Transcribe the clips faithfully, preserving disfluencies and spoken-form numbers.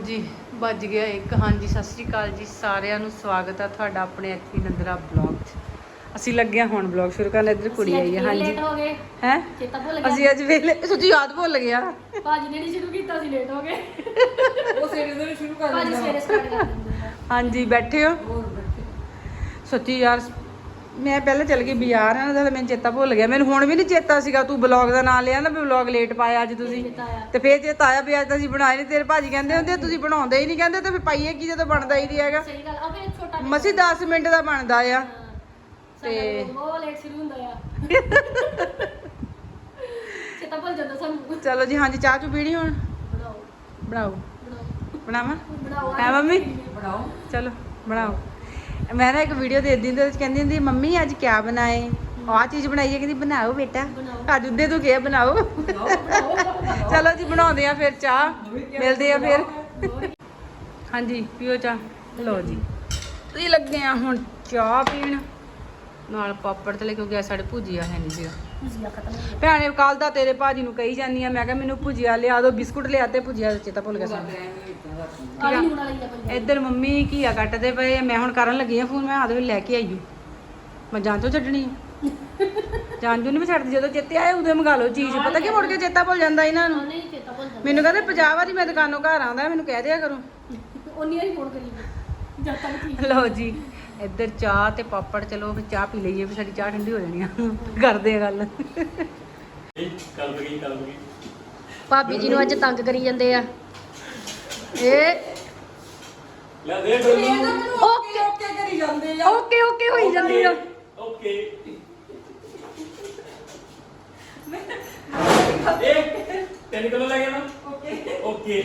जी बज गया एक। हाँ जी सत श्री अकाल जी सारिਆਂ ਨੂੰ स्वागत है ਤੁਹਾਡਾ ਆਪਣੇ ਐਚਪੀ ਨੰਦਰਾ ਬਲੌਗ 'ਚ। ਅਸੀਂ ਲੱਗੇ ਹਾਂ ਹੁਣ ਬਲੌਗ ਸ਼ੁਰੂ ਕਰਨ। ਇੱਧਰ ਕੁੜੀ ਆਈ ਹੈ। हाँ जी ਹੈ ਅਸੀਂ ਅੱਜ ਵੇਲੇ ਸੱਚੀ ਯਾਦ ਭੁੱਲ ਗਿਆ। ਭਾਜੀ ਨੇ ਨਹੀਂ ਸ਼ੁਰੂ ਕੀਤਾ ਸੀ ਲੇਟ ਹੋ ਗਏ। ਉਹ ਸਵੇਰੇ ਸਵੇਰੇ ਸ਼ੁਰੂ ਕਰ ਦਿੰਦੇ ਭਾਜੀ ਸਵੇਰੇ ਸਟਾਰਟ ਕਰ ਦਿੰਦੇ ਆ। हाँ जी बैठे हो ਸੱਚੀ ਯਾਰ मैं पहले चल गई बाजार है ना तो मैं चेता भुल गया। मैंने हुण भी नहीं चेता सीगा तू ब्लॉग का नाम लिया ना भी ब्लॉग लेट पाया अज तुसीं ते फिर चेता आया भी अज तां असीं बनाए नहीं। तेरे भाजी कहंदे हुंदे तुसीं बनाउंदे ही नहीं कहंदे ते फिर पाइए की जदों बनदा ही नहीं हैगा। सही गल आ फिर छोटा मसी दस मिनट दा बनदा आ ते बहुत लेट शुरू हुंदा आ। चेता भुल जांदा सानूं। चलो जी हाँ जी चाह चू पीनी हुण बनाओ बनाओ बनावां बनाओ है मम्मी बनाओ चलो बनाओ। मैं ना एक वीडियो देखदी हुंदी ते कहंदी हुंदी मम्मी अज क्या बनाए आ चीज़ बनाई है। कहंदी बनाओ बेटा अज उदे तू क्या बनाओ। चलो जी बनाउंदे आ फिर चाह मिलदे आ फिर। हाँ जी पियो चाह लो जी तुसीं लगे आ हुण चाह पीण नाल पापड़ तले क्योंकि साडे भुजिया है नहीं सीगा। भैने कल दा तेरे भाजी नूं कही जानी आ मैं कहा मैनूं भुजिया लिया दो बिस्कुट लिया ते भुजिया चेता भुल गया सानूं। इधर मम्मी घीया कट्टदे पे मैं हुण करन लगी आ फोन मैं आदे वे लैके आई मैं जांचो छड्डनी जांचो नहीं मैं छड्डदी जदों चेते आए उदों मंगा लो चीज़। पता कि मुड़ के चेता भुल जांदा इन्हां नूं। मैनूं कहंदे पचास वारी मैं दुकानों घर आंदा मैनूं कह दिया करो उन्नी वारी फोन करी जद तक। लो जी इधर चाह ते पापड़ चलो फिर चाह पी लईए फिर साडी चाह ठंडी हो जानी आ। करदे आ गल भाभी जी नूं अज तंग करी जांदे आ। ए ਲੈ ਦੇ ਓਕੇ ਓਕੇ ਕਰੀ ਜਾਂਦੇ ਆ ओके ओके होई जांदी आ। ਓਕੇ एक तीन किलो ले गया ना ओके ओके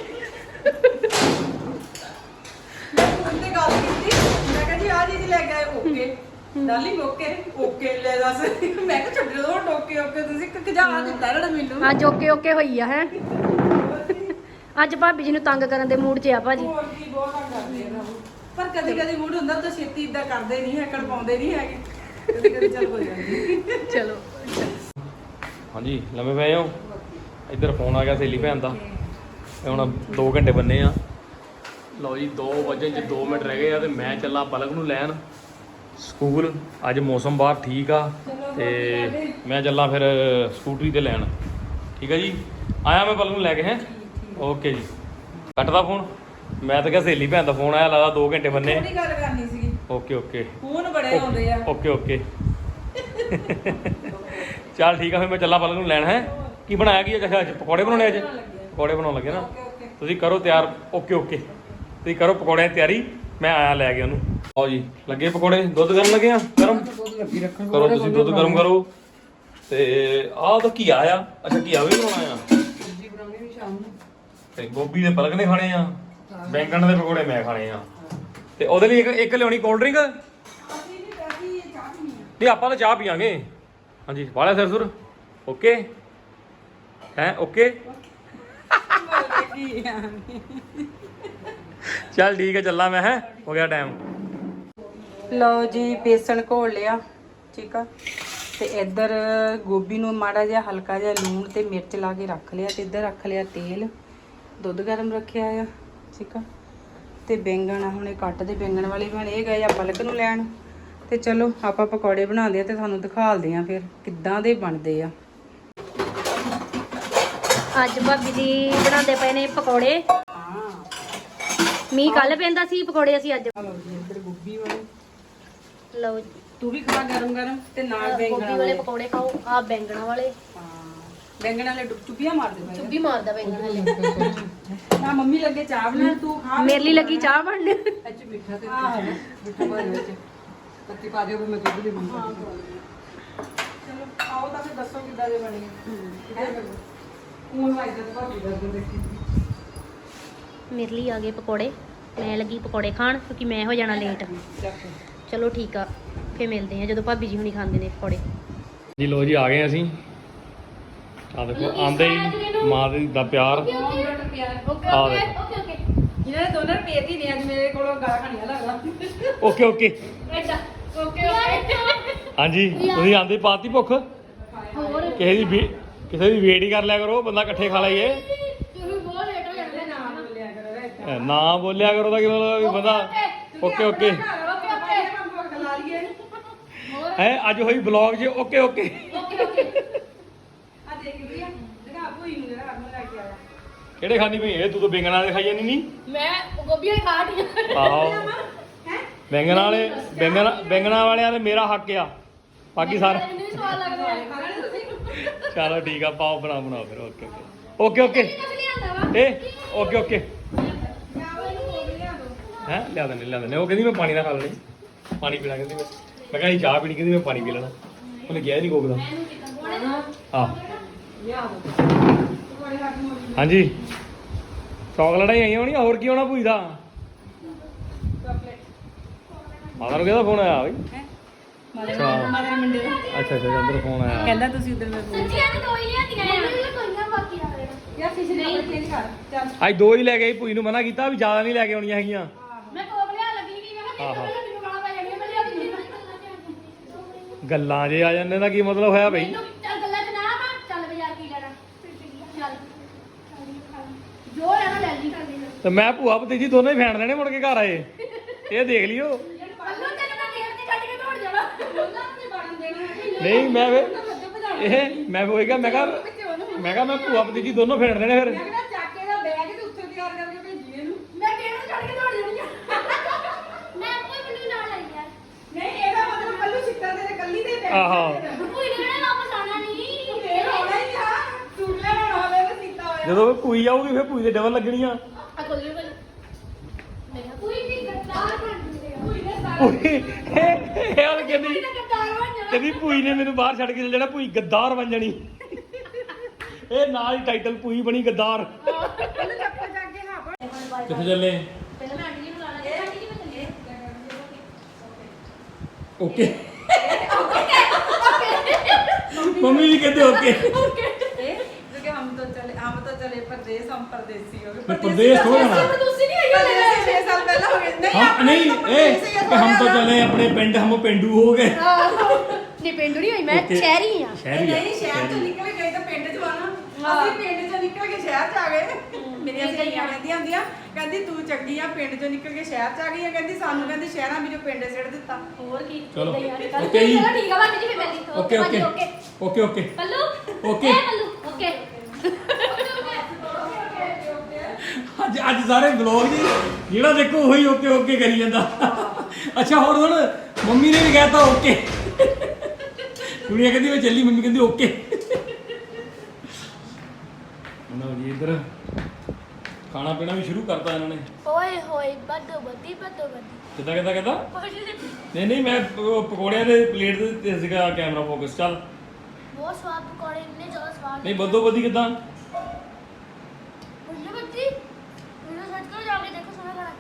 मैं फोन ते गल कीती मैं कहा जी आ चीज ले गए ओके डार्लिंग ओके ओके ले दस मैं कहा छड्ड दो ओके ओके ਤੁਸੀਂ ਕਜਾ ਦਿੱਤਾ ਨਾ ਮੈਨੂੰ ਅੱਜ ਓਕੇ ਓਕੇ ਹੋਈ ਆ ਹੈ। ਅੱਜ ਭਾਬੀ ਜੀ ਨੂੰ ਤੰਗ ਕਰਨ ਦੇ ਮੂਡ 'ਚ ਆ ਭਾਜੀ। ਹੋਰ ਕੀ ਬਹੁਤ ਤੰਗ ਕਰਦੇ ਆ ਪਰ ਕਦੀ ਕਦੀ ਮੂਡ ਹੁੰਦਾ ਤਾਂ ਛੇਤੀ ਇਦਾਂ ਕਰਦੇ ਨਹੀਂ ਹੈਕੜ ਪਾਉਂਦੇ ਨਹੀਂ ਹੈਗੇ ਕਦੀ ਕਦੀ ਚੱਲ ਹੋ ਜਾਂਦੀ ਚਲੋ। ਹਾਂਜੀ ਲੰਮੇ ਪਏ ਹੋ। ਇੱਧਰ ਫੋਨ ਆ ਗਿਆ ਸਹੇਲੀ ਭੈਣ ਦਾ ਤੇ ਹੁਣ ਦੋ ਘੰਟੇ ਬੰਨੇ ਆ। ਲਓ ਜੀ ਦੋ ਵਜੇ ਚ ਦੋ ਮਿੰਟ ਰਹਿ ਗਏ ਆ ਤੇ ਮੈਂ ਚੱਲਾਂ ਪਲਕ ਨੂੰ ਲੈਣ ਸਕੂਲ। ਅੱਜ ਮੌਸਮ ਬਾਹਰ ਠੀਕ ਆ ਤੇ ਮੈਂ ਚੱਲਾਂ ਫਿਰ ਸਕੂਟਰੀ ਤੇ ਲੈਣ। ਠੀਕ ਆ ਜੀ ਆਇਆ ਮੈਂ ਪਲਕ ਨੂੰ ਲੈ ਕੇ ਹੈ। ਓਕੇ ਜੀ ਕੱਟਦਾ ਫੋਨ। ਮੈਂ ਤਾਂ ਕਿਹਾ ਸਹੇਲੀ ਭੈਣ ਦਾ ਫੋਨ ਆਇਆ ਲੱਗਦਾ ਦੋ ਘੰਟੇ ਬੰਨੇ। ਥੋੜੀ ਗੱਲ ਕਰਨੀ ਸੀਗੀ। ਓਕੇ ਓਕੇ ਫੋਨ ਬੜੇ ਆਉਂਦੇ ਆ। ਓਕੇ ਓਕੇ ਚੱਲ ਠੀਕ ਆ ਫਿਰ ਮੈਂ ਚੱਲਾਂ ਪਲਕ ਨੂੰ ਲੈਣ ਹੈ। ਕੀ ਬਣਾਇਆ ਕੀ ਅੱਛਾ ਅੱਜ ਪਕੌੜੇ ਬਣਾਉਣੇ ਅੱਜ ਪਕੌੜੇ ਬਣਾਉਣ ਲੱਗੇ ਨਾ ਤੁਸੀਂ ਕਰੋ ਤਿਆਰ। ਓਕੇ ਓਕੇ ਤੁਸੀਂ ਕਰੋ ਪਕੌੜਿਆਂ ਦੀ ਤਿਆਰੀ ਮੈਂ ਆਇਆ ਲੈ ਕੇ ਉਹਨੂੰ। ਆਓ ਜੀ ਲੱਗੇ ਪਕੌੜੇ ਦੁੱਧ ਗਰਮ ਲੱਗੇ ਆ ਗਰਮ ਕਰੋ ਤੁਸੀਂ ਦੁੱਧ ਗਰਮ ਕਰੋ। ਤੇ ਆਹ ਤਾਂ ਘੀਆ ਆ ਅੱਛਾ ਘੀਆ ਵੀ ਬਣਾਉਣਾ ਆ ਤੇ ਗੋਭੀ ਦੇ ਪਲਕ ਨੇ ਖਾਣੇ ਆ ਬੈਂਗਣ ਦੇ ਪਕੌੜੇ ਮੈਂ ਖਾਣੇ ਆ ਤੇ ਉਹਦੇ ਲਈ ਇੱਕ ਇੱਕ ਲਿਆਉਣੀ ਕੋਲਡ ਡਰਿੰਕ। ਨਹੀਂ ਆਪਾਂ ਤਾਂ ਚਾਹ ਪੀਵਾਂਗੇ। ਹਾਂਜੀ ਵਾਲਾ ਸਿਰ ਸੁਰ ਓਕੇ ਹੈ ਓਕੇ ਚੱਲ ਠੀਕ ਹੈ ਚੱਲਾਂ ਮੈਂ ਹੈ ਹੋ ਗਿਆ ਟਾਈਮ। ਲਓ ਜੀ ਬੇਸਣ ਘੋਲ ਲਿਆ ਠੀਕ ਆ ਤੇ ਇੱਧਰ ਗੋਭੀ ਨੂੰ ਮਾੜਾ ਜਿਹਾ ਹਲਕਾ ਜਿਹਾ ਲੂਣ ਤੇ ਮਿਰਚ ਲਾ ਕੇ ਰੱਖ ਲਿਆ ਤੇ ਇੱਧਰ ਰੱਖ ਲਿਆ ਤੇਲ ਦੁੱਧ ਗਰਮ ਰੱਖਿਆ ਆ ਠੀਕ ਆ ਤੇ ਬੈਂਗਣ ਆ ਹੁਣੇ ਕੱਟਦੇ ਬੈਂਗਣ ਵਾਲੇ ਬਣ ਇਹ ਗਏ ਆ ਪਲਕ ਨੂੰ ਲੈਣ ਤੇ ਚਲੋ ਆਪਾਂ ਪਕੌੜੇ ਬਣਾਉਂਦੇ ਆ ਤੇ ਤੁਹਾਨੂੰ ਦਿਖਾਲਦੇ ਆ ਫਿਰ ਕਿੱਦਾਂ ਦੇ ਬਣਦੇ ਆ। ਅੱਜ ਭਾਬੀ ਜੀ ਬਣਾਉਂਦੇ ਪਏ ਨੇ ਪਕੌੜੇ। ਹਾਂ ਮੀਂਹ ਕੱਲ ਪੈਂਦਾ ਸੀ ਪਕੌੜੇ ਅਸੀਂ ਅੱਜ। ਲਓ ਜੀ ਇੱਧਰ ਗੋਭੀ ਵਾਲੇ ਲਓ ਤੂੰ ਵੀ ਖਾ ਗਰਮ ਗਰਮ ਤੇ ਨਾਲ ਬੈਂਗਣ ਗੋਭੀ ਵਾਲੇ ਪਕੌੜੇ ਖਾਓ ਆ ਬੈਂਗਣਾ ਵਾਲੇ। ਹਾਂ ਬੈਂਗਣ ਵਾਲੇ ਚੁੱਪੀਆਂ ਮਾਰਦੇ ਪਏ ਚੁੱਭੀ ਮਾਰਦਾ ਬੈਂਗਣ ਵਾਲੇ। ਨਾ ਮੰਮੀ ਲੱਗੇ ਚਾਹ ਬਣਾਉਣ ਤੂੰ ਖਾ ਮੇਰੇ ਲਈ ਲੱਗੀ ਚਾਹ ਬਣਨ। ਅੱਛਾ ਮਿੱਠਾ ਤੇ ਮਿੱਠਾ ਭਰ ਵਿੱਚ ਪੱਤੀ ਪਾ ਦਿਓ ਮੈਂ ਦੁੱਧ ਦੇ ਬਣਾ ਚਲੋ ਆਓ ਤਾਂ ਫਿਰ ਦੱਸੋ ਕਿੱਦਾਂ ਦੇ ਬਣੇ ਹੈ ਹੁਣ ਵਾਇਦਾ ਤਾਂ ਭਾਬੀ ਦਾ ਦੇਖੀ ਮੇਰੇ ਲਈ ਆ ਗਏ ਪਕੌੜੇ ਮੈਂ ਲੱਗੀ ਪਕੌੜੇ ਖਾਣ ਕਿਉਂਕਿ ਮੈਂ ਹੋ ਜਾਣਾ ਲੇਟ। ਚਲੋ ਠੀਕ ਆ ਫੇਰ ਮਿਲਦੇ ਆ ਜਦੋਂ ਭਾਬੀ ਜੀ ਹੁਣੀ ਖਾਂਦੇ ਨੇ ਪਕੌੜੇ। ਜੀ ਲੋ ਜੀ ਆ ਗਏ ਅਸੀਂ ਆ ਦੇਖੋ ਆਂਦੇ ਹੀ ਮਾਂ ਦਾ ਪਿਆਰ ਆ ਦੇਖੋ ਇਹਨਾਂ ਨੇ ਦੋਨਾਂ ਰੁਪਏ ਦੀ ਨੇ ਅੱਜ ਮੇਰੇ ਕੋਲੋਂ ਗਾਲਾਂ ਖਾਣੀਆਂ ਲੱਗਦਾ। ਓਕੇ ਓਕੇ ਓਕੇ ਓਕੇ ਹਾਂਜੀ ਤੁਸੀਂ ਆਂਦੇ ਪਾਤੀ ਭੁੱਖ ਹੋਰ ਕਿਸੇ ਦੀ ਵੀ ਕਿਸੇ ਦੀ ਵੇਟ ਹੀ ਕਰ ਲਿਆ ਕਰੋ ਬੰਦਾ ਇਕੱਠੇ ਖਾ ਲਈਏ। ਤੁਸੀਂ ਬਹੁਤ ਲੇਟ ਹੋ ਜਾਂਦੇ ਨਾ ਬੋਲਿਆ ਕਰੋ ਨਾ ਬੋਲਿਆ ਕਰੋ ਤਾਂ ਕੀ ਮਤਲਬ ਵੀ ਬੰਦਾ ਓਕੇ ਓਕੇ ਹੈ ਅੱਜ ਹੋਈ ਬਲੌਗ 'ਚ ਓਕੇ ਓਕੇ ਕਿਹੜੇ ਖਾਣੀ ਪਈ ਇਹ ਤੂੰ ਤਾਂ ਬੈਂਗਣ ਵਾਲੇ ਖਾਈ ਜਾਂਦੀ ਨਹੀਂ ਮੈਂ ਗੋਭੀ ਵਾਲੀ ਖਾ ਰਹੀ ਆਹੋ ਬੈਂਗਣ ਵਾਲੇ ਬੈਂਗਣ ਬੈਂਗਣਾ ਵਾਲਿਆਂ ਦੇ ਮੇਰਾ ਹੱਕ ਆ ਬਾਕੀ ਸਾਰਾ ਮੈਨੂੰ ਵੀ ਸਵਾਦ ਲੱਗਦਾ ਹੈ ਚਲੋ ਠੀਕ ਆ ਪਾਓ ਬਣਾ ਬਣਾਓ ਫਿਰ ਓਕੇ ਓਕੇ ਓਕੇ ਓਕੇ ਇਹ ਓਕੇ ਓਕੇ ਹੈ ਲਿਆ ਦਿੰਦੇ ਲਿਆ ਦਿੰਦੇ ਉਹ ਕਹਿੰਦੀ ਮੈਂ ਪਾਣੀ ਨਾਲ ਖਾ ਲੈਣੀ ਪਾਣੀ ਪੀਣਾ ਕਹਿੰਦੀ ਮੈਂ ਮੈਂ ਕਹਿੰਦੀ ਚਾਹ ਪੀਣੀ ਕਹਿੰਦੀ ਮੈਂ ਪਾਣੀ ਪੀ ਲੈਣਾ ਉਹਨੇ ਕਿਹਾ ਨਹੀਂ ਕੋਕਦਾ ਆਹ ਹਾਂਜੀ ਚੌਕਲੇਟਾਂ ਹੀ ਆਈਆਂ ਹੋਣੀਆਂ ਹੋਰ ਕੀ ਹੋਣਾ ਭੂਈ ਦਾ ਮਾਤਾ ਨੂੰ ਕਿਹਦਾ ਫੋਨ ਆਇਆ ਬਈ ਅੱਛਾ ਅੱਛਾ ਅੱਛਾ ਅੰਦਰ ਫੋਨ ਆਇਆ ਕਹਿੰਦਾ ਤੁਸੀਂ ਉਧਰ ਮੈਂ ਸੱਚੀਆਂ ਨੇ ਦੋ ਹੀ ਲਿਆਂਦੀਆਂ ਆ ਕੋਈਆਂ ਬਾਕੀ ਆ ਯਾਰ ਫਿਸ਼ ਨਹੀਂ ਚੇਂਜ ਕਰ ਚੱਲ ਅੱਜ ਦੋ ਹੀ ਲੈ ਗਈ ਭੂਈ ਨੂੰ ਮਨਾ ਕੀਤਾ ਵੀ ਜ਼ਿਆਦਾ ਨਹੀਂ ਲੈ ਕੇ ਆਉਣੀਆਂ ਹੈਗੀਆਂ ਮੈਂ ਕੋਬ ਲਿਆ ਲੱਗੀ ਕਿ ਮੈਂ ਕਿਹਾ ਮੈਨੂੰ ਗਾਲਾਂ ਪੈ ਜਾਣੀਆਂ ਮੈਂ ਲਿਆ ਦਿੱਤੀ ਗੱਲਾਂ ਜੇ ਆ ਜਾਂਦੇ ਦਾ ਕੀ ਮਤਲਬ ਹੋਇਆ ਬਈ ਮੈਨੂੰ ਚੱਲ ਗੱਲਾਂ ਚ ਨਾ ਆ ਚੱਲ ਬਾਜ਼ਾਰ ਕੀ ਲੈਣਾ ਚੱਲ ਜੋ ਲੈਣਾ ਲੈ ਲਈ ਤੇ ਮੈਂ ਭੂਆ ਭਤੀਜੀ ਦੋਨੇ ਹੀ ਫੈਣ ਲੈਣੇ ਮੁੜ ਕੇ ਘਰ ਆਏ ਇਹ ਦੇਖ ਲਿਓ ਪੱਲੂ ਤੈਨੂੰ ਮੈਂ ਗੇਟ ਤੇ ਕੱਢ ਕੇ ਦੌੜ ਜਾਣਾ ਉਹਨਾਂ ਨੂੰ ਬਣਨ ਦੇਣਾ ਨਹੀਂ ਮੈਂ ਫਿਰ ਇਹ ਮੈਂ ਉਹ ਕਿਹਾ ਮੈਂ ਕਿਹਾ ਮੈਂ ਕਿਹਾ ਮੈਂ ਭੂਆ ਭਤੀਜੀ ਦੋਨੋਂ ਫੈਣ ਲੈਣੇ ਫਿਰ ਮੈਂ ਚੱਕੇ ਦਾ ਬੈਗ ਤੇ ਉੱਥੇ ਤਿਆਰ ਕਰਕੇ ਭੇਜੀ ਇਹਨੂੰ ਮੈਂ ਗੇਟ ਤੇ ਕੱਢ ਕੇ ਦੌੜ ਜਾਣੀ ਆ ਮੈਂ ਕੋਈ ਮੈਨੂੰ ਨਾਲ ਲਈ ਯਾਰ ਨਹੀਂ ਇਹਦਾ ਮਤਲਬ ਕੱਲੂ ਸਿੱਟਾ ਤੇਰੇ ਕੱਲੀ ਦੇ ਬੈਗ ਆਹੋ ਕੋਈ ਨਹੀਂ ਵਾਪਸ ਆਣਾ ਨਹੀਂ ਫੇਰ ਹੋਣਾ ਹੀ ਆ ਸੂਟ ਲੈਣਾ ਹੋਵੇ ਤਾਂ ਸਿੱਟਾ ਹੋਇਆ ਜਦੋਂ ਭੂਈ ਆਊਗੀ ਫਿਰ ਭੂਈ ਦੇ ਡਬਲ ਲੱਗਣੀਆਂ ਆ ਕੋਲ ਕੋਲ ਨਹੀਂ ਕੋਈ ਵੀ ਗੱਦਾਰ ਬਣ ਜੂਗਾ ਕੋਈ ਨੇ ਭੂਈ ਇਹ ਇਹ ਉਹ ਕਹਿੰਦੀ ਗੱਦਾਰ ਬਣ ਜਾਣਾ ਕਹਿੰਦੀ ਭੂਈ ਨੇ ਮੈਨੂੰ ਬਾਹਰ ਛੱਡ ਕੇ ਚਲ ਜਾਣਾ ਭੂਈ ਗੱਦਾਰ ਬਣ ਜਾਣੀ ਇਹ ਨਾਲ ਹੀ ਟਾਈਟਲ ਭੂਈ ਬਣੀ ਗੱਦਾਰ ਉਹਨੂੰ ਚੱਪਲ ਚੱਕ ਕੇ ਹਾਂ ਕਿੱਥੇ ਚੱਲੇ ਪਹਿਲਾਂ ਮੈਂ ਆਂਟੀ ਜੀ ਨੂੰ ਲਾਣਾ ਹੈ ਆਂਟੀ ਜੀ ਮੈਂ ਚੱਲੇ ਓਕੇ ਮੰਮੀ ਵੀ ਕਹਿੰਦੇ ਓਕੇ ਇਹ ਜੋ ਕਿ ਹਮ ਤੋਂ ਚਲੇ ਹਮ ਤੋਂ ਚਲੇ ਪਰਦੇਸ ਹਮ ਪਰਦੇਸੀ ਹੋ ਗਏ ਪ੍ਰਦੇਸ਼ ਹੋ ਜਾਣਾ ਤੁਸੀਂ ਨਹੀਂ ਆਈ ਛੇ ਸਾਲ ਪਹਿਲਾਂ ਹੋ ਗਏ ਨਹੀਂ हम नहीं ए कि हम तो चले अपने पिंड हम पेंडू हो गए ਨਹੀਂ ਪਿੰਡੂ ਨਹੀਂ ਹੋਈ ਮੈਂ Okay. ਸ਼ਹਿਰੀ ਆ शहरी ਨਹੀਂ ਸ਼ਹਿਰ ਤੋਂ ਨਿਕਲ ਗਏ ਤਾਂ ਪਿੰਡ ਚ ਆਣਾ ਅਸੀਂ ਪਿੰਡ ਚੋਂ ਨਿਕਲ ਕੇ ਸ਼ਹਿਰ ਚ ਆ ਗਏ ਮੇਰੀਆਂ ਸਹੇਲੀਆਂ ਕਹਿੰਦੀਆਂ ਹੁੰਦੀਆਂ ਕਹਿੰਦੀ ਤੂੰ ਚੰਗੀ ਆ ਪਿੰਡ ਚੋਂ ਨਿਕਲ ਕੇ ਸ਼ਹਿਰ ਚ ਆ ਗਈ ਆ ਕਹਿੰਦੀ ਸਾਨੂੰ ਕਹਿੰਦੀ ਸ਼ਹਿਰਾਂ ਵਿੱਚੋਂ ਪਿੰਡ ਸਿੱਟ ਦਿੱਤਾ ਹੋਰ ਕੀ ਚਲੋ। ਏਦਾਂ ਹੀ ਆ ਅੱਜ-ਕੱਲ੍ਹ। Okay ਜੀ। ਚਲੋ ਠੀਕ ਆ ਬਾਕੀ ਜੀ ਫਿਰ ਮਿਲਦੀ ओके ਭਾਜੀ, ओके okay। ओके ओके ਪੱਲੂ Okay। ਇਹ ਪੱਲੂ ਓਕੇ ਅੱਜ ਅੱਜ ਸਾਰੇ ਬਲੌਗ ਜੀ ਜਿਹੜਾ ਦੇਖੋ ਉਹੀ ਓਕੇ ਓਕੇ ਕਰੀ ਜਾਂਦਾ ਅੱਛਾ ਹੋਰ ਹੁਣ ਮੰਮੀ ਨੇ ਵੀ ਕਹਿਤਾ ਓਕੇ ਕੁੜੀਆਂ ਕਹਿੰਦੀ ਮੈਂ ਚੱਲੀ ਮੰਮੀ ਕਹਿੰਦੀ ਓਕੇ ਨਾ ਜੀ ਇੱਧਰ ਖਾਣਾ ਪੀਣਾ ਵੀ ਸ਼ੁਰੂ ਕਰਤਾ ਇਹਨਾਂ ਨੇ ਓਏ ਹੋਏ ਬੱਦੋ ਬੱਦੀ ਬੱਦੋ ਬੱਦੀ ਕਿੱਦਾਂ ਕਿੱਦਾਂ ਕਿੱਦਾਂ ਨਹੀਂ ਨਹੀਂ ਮੈਂ ਉਹ ਪਕੌੜਿਆਂ ਦੇ ਪਲੇਟ ਦੇ ਤੇ ਸੀਗਾ ਕੈਮਰਾ ਫੋਕਸ ਚੱਲ ਬਹੁਤ ਸਵਾਦ ਪਕੌੜੇ ਇੰਨੇ ਜ਼ਿਆਦਾ ਸਵਾਦ ਨਹੀਂ ਬੱਦੋ ਬੱਦੀ ਕਿੱਦਾਂ ਬੱਦੋ ਬੱਦੀ ਵੀਡੀਓ ਸਰਚ ਕਰੋ ਜਾ ਕੇ ਦੇਖੋ ਸੋਹਣਾ ਖਾਣਾ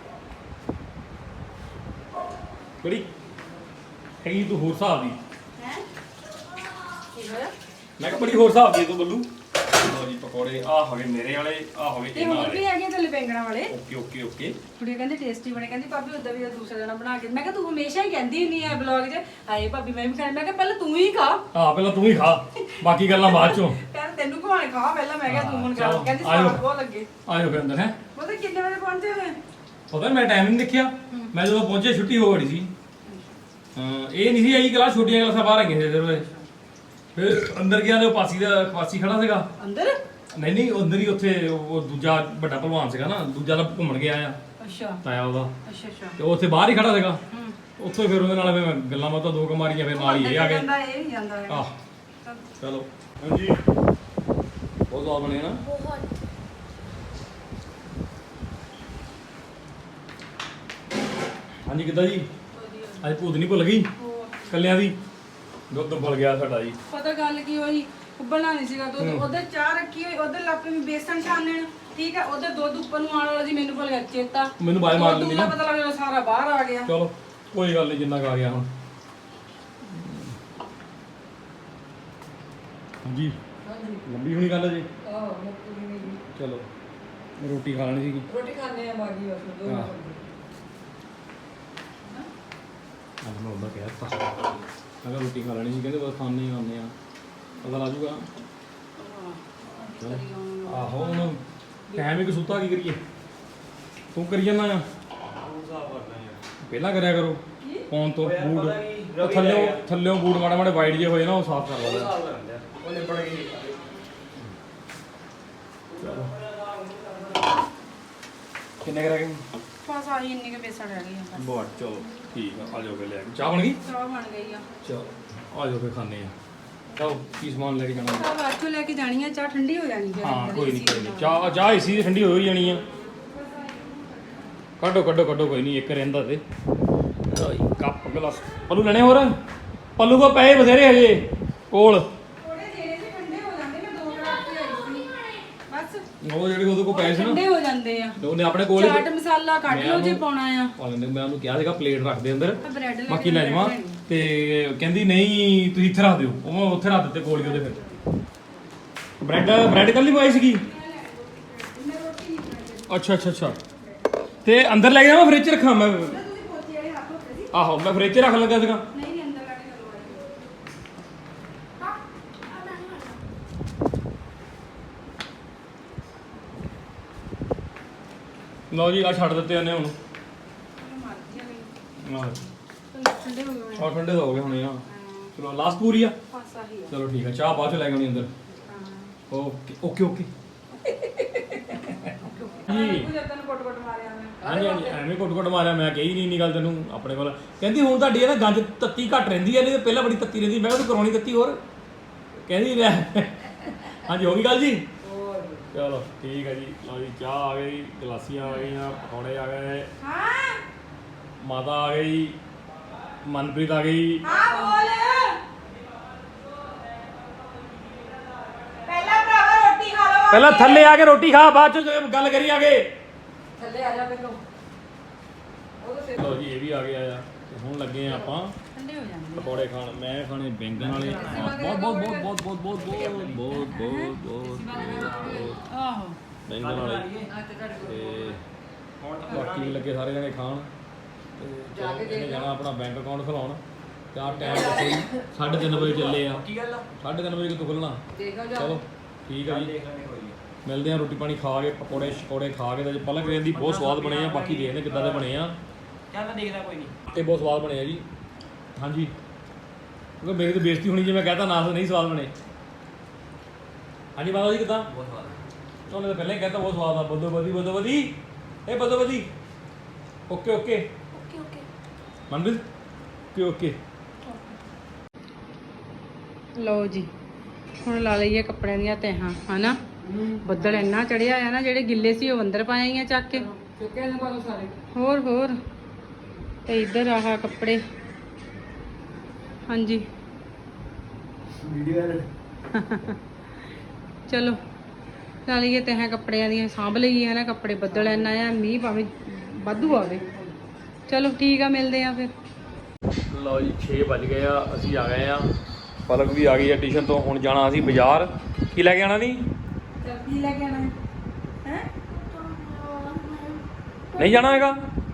ਕਿਹੜੀ ਹੈਗੀ ਤੂੰ ਹੋਰ ਹਿਸਾਬ ਦੀ ਹੈ ਕੀ ਹੋਇਆ ਮੈਂ ਕਿਹਾ ਬੜੀ ਹੋਰ ਹਿਸਾਬ ਦੀ ਤੂੰ ਬੱਲੂ ਲੋ ਜੀ ਪਕੌੜੇ ਆ ਹੋਵੇ ਮੇਰੇ ਵਾਲੇ ਆ ਹੋਵੇ ਤੇ ਇਹਨਾਂ ਹੋਰ ਵੀ ਵਾਲੇ ਹੈਗੇ ਤੇ ਲਪੇਂਗਣਾ ਵਾਲੇ ਓਕੇ ਓਕੇ ਓਕੇ ਕੁੜੀ ਕਹਿੰਦੀ ਟੇਸਟੀ ਬਣੇ ਕਹਿੰਦੀ ਭਾਬੀ ਉਦਾਂ ਵੀ ਦੂਸਰਾ ਜਣਾ ਬਣਾ ਕੇ ਮੈਂ ਕਿਹਾ ਤੂੰ ਹਮੇਸ਼ਾ ਹੀ ਕਹਿੰਦੀ ਹੁੰਦੀ ਆ ਬਲੌਗ 'ਚ ਹਾਏ ਭਾਬੀ ਮੈਂ ਵੀ ਖਾਣਾ ਮੈਂ ਕਿਹਾ ਪਹਿਲਾਂ ਤੂੰ ਹੀ ਖਾ ਆ ਪਹਿਲਾਂ ਤੂੰ ਹੀ ਖਾ ਬਾਕੀ ਗੱਲਾਂ ਬਾਅਦ ਚੋਂ ਕਹਿੰਦਾ ਤੈਨੂੰ ਖਵਾਣੇ ਖਾ ਪਹਿਲਾਂ ਮੈਂ ਕਿਹਾ ਤੂੰ ਹੁਣ ਖਾ ਚਲੋ, ਕਹਿੰਦੀ ਆਜੋ। ਸਵਾਦ ਬਹੁਤ ਲੱਗੇ ਆਜੋ ਫਿਰ ਅੰਦਰ ਹੈ ਉਹਦੇ ਕਿੰਨੇ ਵਜੇ ਪਹੁੰਚੇ ਹੋਏ ਪਤਾ ਮੈਂ ਟਾਈਮ ਨਹੀਂ ਦੇਖਿਆ ਮੈਂ ਜਦੋਂ ਪਹੁੰਚੇ ਛੁੱਟੀ ਹੋ ਗਈ ਸੀ ਹਾਂ ਇਹ ਨਹੀਂ ਸੀ ਆਈ ਕਲਾਸ ਛੋਟੀਆਂ ਕਲਾਸਾਂ ਬਾਹਰ ਆਈਆਂ ਸੀ ਜਦੋਂ ਫਿਰ ਅੰਦਰ ਗਿਆ ਤੇ ਉਹ ਪਾਸੀ ਦਾ ਖਵਾਸੀ ਖੜਾ ਸੀਗਾ ਅੰਦਰ ਨਹੀਂ ਨਹੀਂ ਅੰਦਰ ਹੀ ਉੱਥੇ ਉਹ ਦੂਜਾ ਵੱਡਾ ਭਲਵਾਨ ਸੀਗਾ ਨਾ ਦੂਜਾ ਤਾਂ ਘੁੰਮਣ ਗਿਆ ਆ ਅੱਛਾ ਤਾਇਆ ਉਹਦਾ ਅੱਛਾ ਅੱਛਾ ਤੇ ਉਹ ਉੱਥੇ ਬਾਹਰ ਹੀ ਖੜਾ ਸੀਗਾ ਹੂੰ ਉੱਥੋਂ ਹੀ ਫਿਰ ਉਹਦੇ ਨਾਲ ਫਿਰ ਮੈਂ ਗੱਲਾਂ ਬਾਤਾਂ ਦੋ ਕਮਾਰੀਆਂ ਫਿਰ ਨਾਲ ਹੀ ਇਹ ਆ ਗਏ ਜਾਂਦਾ ਇਹ ਨਹੀਂ ਜਾਂਦਾ ਹੈਗਾ। ਆਹ ਚਲੋ ਹਾਂਜੀ ਬਹੁਤ ਸਵਾਦ ਬਣੇ ਨਾ ਬਹੁਤ ਹਾਂਜੀ ਕਿੱਦਾਂ ਜੀ ਅੱਜ ਭੂਤ ਨਹੀਂ ਭੁੱਲ ਗਈ ਹੋਰ ਕੱਲਿਆਂ ਦੀ ਦੁੱਧ ਭੁੱਲ ਗਿਆ ਸਾਡਾ ਜੀ ਪਤਾ ਗੱਲ ਕੀ ਹੋਈ ਉਬਲਣਾ ਨਹੀਂ ਸੀਗਾ ਦੁੱਧ ਉਧਰ ਚਾਹ ਰੱਖੀ ਹੋਈ ਉਧਰ ਲੱਪੇ ਵਿੱਚ ਬੇਸਣ ਛਾਣਨ ਠੀਕ ਹੈ ਉਧਰ ਦੁੱਧ ਉੱਪਰ ਨੂੰ ਆਉਣ ਵਾਲਾ ਜੀ ਮੈਨੂੰ ਭੁੱਲ ਗਿਆ ਚੇਤਾ ਮੈਨੂੰ ਬਾਜ ਮਾਰ ਲੈਂਦੀ ਦੂਲਾ ਨਾ ਪਤਾ ਲੱਗਦਾ ਸਾਰਾ ਬਾਹਰ ਆ ਗਿਆ ਚਲੋ ਕੋਈ ਗੱਲ ਨਹੀਂ ਜਿੰਨਾ ਕੁ ਆ ਗਿਆ ਹੁਣ ਹਾਂਜੀ ਲੰਬੀ ਹੋਣੀ ਗੱਲ ਜੀ ਆਹ ਮੁੱਕੀ ਨਹੀਂ ਚਲੋ ਰੋਟੀ ਖਾ ਲੈਣੀ ਸੀਗੀ ਰੋਟੀ ਖਾਣੇ ਆ ਬਾਗੀ ਬਸ ਦੋ ਹਾਂ। ਅੱਜ ਮੈਂ ਉਹਦਾ ਕਹਿ ਦਿੱਤਾ ਅਗਰ ਰੋਟੀ ਖਾ ਲੈਣੀ ਸੀ ਕਹਿੰਦੇ ਬਸ ਖਾਣੇ ਹੀ ਖਾਣੇ ਆ ਪਤਾ ਲੱਗ ਜੂਗਾ ਚਲੋ ਆਹੋ ਹੁਣ ਟਾਈਮ ਇੱਕ ਸੁੱਤਾ ਕੀ ਕਰੀਏ ਤੂੰ ਕਰੀ ਜਾਂਦਾ ਆ ਪਹਿਲਾਂ ਕਰਿਆ ਕਰੋ ਪਾਉਣ ਤੋਂ ਬੂਟ ਉਹ ਥੱਲੇ ਥੱਲੇ ਬੂਟ ਮਾੜੇ ਮਾੜੇ ਵਾਈਡ ਜੇ ਹੋਏ ਨਾ ਉਹ ਸਾਫ਼ ਕਰ ਲਓ ਉਹ ਨਿਬੜ ਗਈ ਚਲੋ ਕਿੰਨੇ ਕਰ ਗਏ ਬਸ ਆਹੀ ਇੰਨੇ ਕੇ ਪੈਸਾ ਰਹਿ ਗਏ ਆ ਬਹੁਤ ਚਲੋ ਠੀਕ ਆ ਆ ਜਾਓ ਲੈ ਕੇ ਚਾਹ ਬਣ ਗਈ ਚਾਹ ਬਣ ਗਈ ਆ ਚਲੋ ਆ ਜਾਓ ਫੇ ਖਾਣੇ ਆ ਚਲੋ ਕੀ ਸਮਾਨ ਲੈ ਕੇ ਜਾਣਾ ਚਾਹ ਬਾਅਦ ਚੋਂ ਲੈ ਕੇ ਜਾਣੀ ਆ ਚਾਹ ਠੰਡੀ ਹੋ ਜਾਣੀ ਫਿਰ ਹਾਂ ਕੋਈ ਨਹੀਂ ਕੋਈ ਨਹੀਂ ਚਾਹ ਚਾਹ ਇਸੀ ਦੀ ਠੰਡੀ ਹੋ ਹੀ ਜਾਣੀ ਆ ਕੱਢੋ ਕੱਢੋ ਕੱਢੋ ਕੋਈ ਨਹੀਂ ਇੱਕ ਰਹਿੰਦਾ ਤੇ ਲਓ ਜੀ ਕੱਪ ਗਲਾਸ ਪੱਲੂ ਲੈਣੇ ਹੋਰ ਪੱਲੂ ਕੋ ਪੈਸੇ ਬਥੇਰੇ ਹਜੇ ਕੋਲ ਥੋੜੇ ਜਿਹੜੇ ਸੀ ਠੰਡੇ ਹੋ ਜਾਂਦੇ ਮੈਂ ਦੋ ਗਲਾਸ ਤੇ ਆਈ ਸੀ ਬਸ ਉਹ ਜਿਹੜੇ ਉਹਦੇ ਕੋ ਪੈਸੇ ਸੀ ਨਾ ਠੰਡੇ ਹੋ ਜਾਂਦੇ ਆ ਉਹਨੇ ਆਪਣੇ ਕੋਲ ਹੀ ਚਾਟ ਮਸਾਲਾ ਕੱਢ ਲਓ ਜੇ ਪਾਉਣਾ ਆ ਪਾ ਲੈਂਦੇ ਮੈਂ ਉਹਨੂੰ ਕਿਹਾ ਸੀਗਾ ਪਲੇਟ ਰੱਖ ਦੇ ਅੰਦਰ ਤਾਂ ਬ੍ਰੈਡ ਲੈ ਬਾਕੀ ਲੈ ਜਾਵਾਂ ਤੇ ਕਹਿੰਦੀ ਨਹੀਂ ਤੁਸੀਂ ਇੱਥੇ ਰੱਖ ਦਿਓ ਉਹ ਮੈਂ ਉੱਥੇ ਰੱਖ ਦਿੱਤੇ ਕੋਲ ਹੀ ਉਹਦੇ ਫਿਰ ਬ੍ਰੈਡ ਬ੍ਰੈਡ ਕੱਲੀ ਮੰਗਾਈ ਸੀਗੀ ਅੱਛਾ ਅੱਛਾ ਅੱਛਾ ਤੇ ਅੰਦਰ ਲੈ ਗਿਆ ਮੈਂ ਫ੍ਰਿਜ 'ਚ ਰੱਖਾਂ ਮੈਂ ਆਹੋ ਮੈਂ ਫ੍ਰਿਜ 'ਚ ਰੱਖ ਲੱਗਾ ਸੀਗਾ ਨਹੀਂ ਨਹੀਂ ਅੰਦਰ ਲੈ ਕੇ ਚਲੋ ਲਓ ਜੀ ਆ ਛੱਡ ਦਿੱਤੇ ਉਹਨੇ ਹੁਣ ਆਹ ਠੰਡੇ ਹੋ ਗਏ ਆਹ ਠੰਡੇ ਤਾਂ ਹੋ ਗਏ ਹੁਣੇ ਆ ਚਲੋ ਲਾਸਟ ਪੂਰੀ ਆ ਬਸ ਆਹੀ ਆ ਚਲੋ ਠੀਕ ਆ ਚਾਹ ਬਾਅਦ ਚ ਲੈ ਕੇ ਆਉਣੀ ਅੰਦਰ ਹਾਂ ਓਕੇ ਓਕੇ ਓਕੇ ਜੀ ਤੂੰ ਜਦੋਂ ਕੋਟ ਕੋਟ ਮਾਰਿਆ ਮੈਂ ਹਾਂਜੀ ਹਾਂਜੀ ਐਵੇਂ ਘੁੱਟ ਘੁੱਟ ਮਾਰਿਆ ਮੈਂ ਕਹੀ ਨਹੀਂ ਇੰਨੀ ਗੱਲ ਤੈਨੂੰ ਆਪਣੇ ਕੋਲ ਕਹਿੰਦੀ ਹੁਣ ਤੁਹਾਡੀ ਇਹ ਨਾ ਗੰਜ ਤੱਤੀ ਘੱਟ ਰਹਿੰਦੀ ਹੈ ਨਹੀਂ ਤੇ ਪਹਿਲਾਂ ਬੜੀ ਤੱਤੀ ਰਹਿੰਦੀ ਮੈਂ ਕਿਹਾ ਤੂੰ ਕਰਾਉਣੀ ਤੱਤੀ ਹੋਰ ਕਹਿੰਦੀ ਮੈਂ ਹਾਂਜੀ ਹੋ ਗਈ ਗੱਲ ਜੀ ਚਲੋ ਠੀਕ ਹੈ ਜੀ ਲਓ ਜੀ ਚਾਹ ਆ ਗਈ ਗਲਾਸੀਆਂ ਆ ਗਈਆਂ ਪਕੌੜੇ ਆ ਗਏ ਹਾਂ ਮਾਤਾ ਆ ਗਈ ਮਨਪ੍ਰੀਤ ਆ ਗਈ ਹਾਂ ਬੋਲ ਪਹਿਲਾਂ ਭਰਾਵਾ ਰੋਟੀ ਖਾ ਲਓ ਪਹਿਲਾਂ ਥੱਲੇ ਆ ਕੇ ਰੋਟੀ ਖਾ ਬਾਅਦ ਚ ਗੱਲ ਕਰੀ ਆ ਕੇ ਥੱਲੇ ਆ ਜਾ ਮੈਨੂੰ ਉਹਦੇ ਲਓ ਜੀ ਇਹ ਵੀ ਆ ਗਿਆ ਆ ਤੇ ਹੁਣ ਲੱਗੇ ਆ ਆਪਾਂ ਠੰਡੇ ਹੋ ਜਾਂਦੇ ਪਕੌੜੇ ਖਾਣ ਮੈਂ ਖਾਣੇ ਬੈਂਗਣ ਵਾਲੇ ਬਹੁਤ ਬਹੁਤ ਬਹੁਤ ਬਹੁਤ ਬਹੁਤ ਬਹੁਤ ਬਹੁਤ ਬਹੁਤ ਬਹੁਤ ਬਹੁਤ ਆਹੋ ਬੈਂਗਣ ਵਾਲੇ ਤੇ ਬਾਕੀ ਵੀ ਲੱਗੇ ਸਾਰੇ ਜਣੇ ਖਾਣ ਤੇ ਚਲੋ ਇਹਨੇ ਜਾਣਾ ਆਪਣਾ ਬੈਂਕ ਅਕਾਊਂਟ ਖੁਲਾਉਣ ਤੇ ਆਹ ਟਾਈਮ ਦੱਸੋ ਸਾਢੇ ਤਿੰਨ ਵਜੇ ਚੱਲੇ ਆ ਕੀ ਗੱਲ ਆ ਸਾਢੇ ਤਿੰਨ ਵਜੇ ਕਿਤੋਂ ਖੁੱਲਣਾ ਦੇਖੋ ਚਲੋ ਠੀਕ ਆ ਜੀ ਦੇਖ ਲੈਣੇ ਕੋਈ ਮਿਲਦੇ ਆ ਰੋਟੀ ਪਾਣੀ ਖਾ ਕੇ ਪਕੌੜੇ ਸ਼ਕੌੜੇ ਖਾ ਕੇ ਤੇ ਪਲਕ ਕਹਿੰਦੀ ਬਹੁਤ ਸਵਾਦ ਬਣੇ ਆ ਬਾਕੀ ਦੇਖਦੇ ਕਿੱਦਾਂ ਦੇ ਬਣੇ ਆ ਚੱਲ ਮੈਂ ਦੇਖਦਾ ਕੋਈ ਨਹੀਂ ਇਹ ਬਹੁਤ ਸਵਾਦ ਬਣੇ ਆ ਜੀ ਹਾਂਜੀ ਕਿਉਂਕਿ ਮੇਰੀ ਤਾਂ ਬੇਇੱਜ਼ਤੀ ਹੋਣੀ ਜੇ ਮੈਂ ਕਹਤਾ ਨਾ ਤਾਂ ਨਹੀਂ ਸਵਾਦ ਬਣੇ ਹਾਂਜੀ ਮਾਤਾ ਜੀ ਕਿੱਦਾਂ ਬਹੁਤ ਸਵਾਦ ਉਹਨੇ ਤਾਂ ਪਹਿਲਾਂ ਹੀ ਕਹਿਤਾ ਬਹੁਤ ਸਵਾਦ ਆ ਬਦੋ ਬਦੀ ਬਦੋ ਬਦੀ ਇਹ ਬਦੋ ਬਦੀ okay okay okay okay Manpreet okay okay ਲਓ ਜੀ ਹੁਣ ਲਾ ਲਈਏ ਕੱਪੜਿਆਂ ਦੀਆਂ ਤਹਾਂ ਹਨਾ ਬੱਦਲ ਇੰਨਾ ਚੜਿਆ ਆ ਨਾ ਜਿਹੜੇ ਗਿੱਲੇ ਸੀ ਉਹ ਅੰਦਰ ਪਾਏ ਆ ਚੱਕ ਕੇ ਚੁੱਕੇ ਨੇ ਪਾਲੋ ਸਾਰੇ ਹੋਰ ਹੋਰ ਤੇ ਇੱਧਰ ਆਹ ਕੱਪੜੇ ਹਾਂਜੀ ਵੀਡੀਓ ਚਲੋ ਲਾ ਲਈਏ ਤਹਾਂ ਕੱਪੜਿਆਂ ਦੀਆਂ ਸਾਂਭ ਲਈਏ ਹਨਾ ਕੱਪੜੇ ਬੱਦਲ ਇੰਨਾ ਆ ਮੀਂਹ ਭਾਵੇਂ ਵਾਧੂ ਆਵੇ ਚਲੋ ਠੀਕ ਆ ਮਿਲਦੇ ਆ ਫਿਰ ਲਓ ਜੀ ਛੇ ਵੱਜ ਗਏ ਆ ਅਸੀਂ ਆ ਗਏ ਆ ਪਲਕ ਵੀ ਆ ਗਈ ਆ ਟਿਊਸ਼ਨ ਤੋਂ ਹੁਣ ਜਾਣਾ ਅਸੀਂ ਬਾਜ਼ਾਰ ਕੀ ਲੈ ਕੇ ਆਣਾ ਨਹੀਂ ਕੀ ਲੈ ਕੇ ਆਣਾ ਹੈ ਨਹੀਂ ਜਾਣਾ ਹੈਗਾ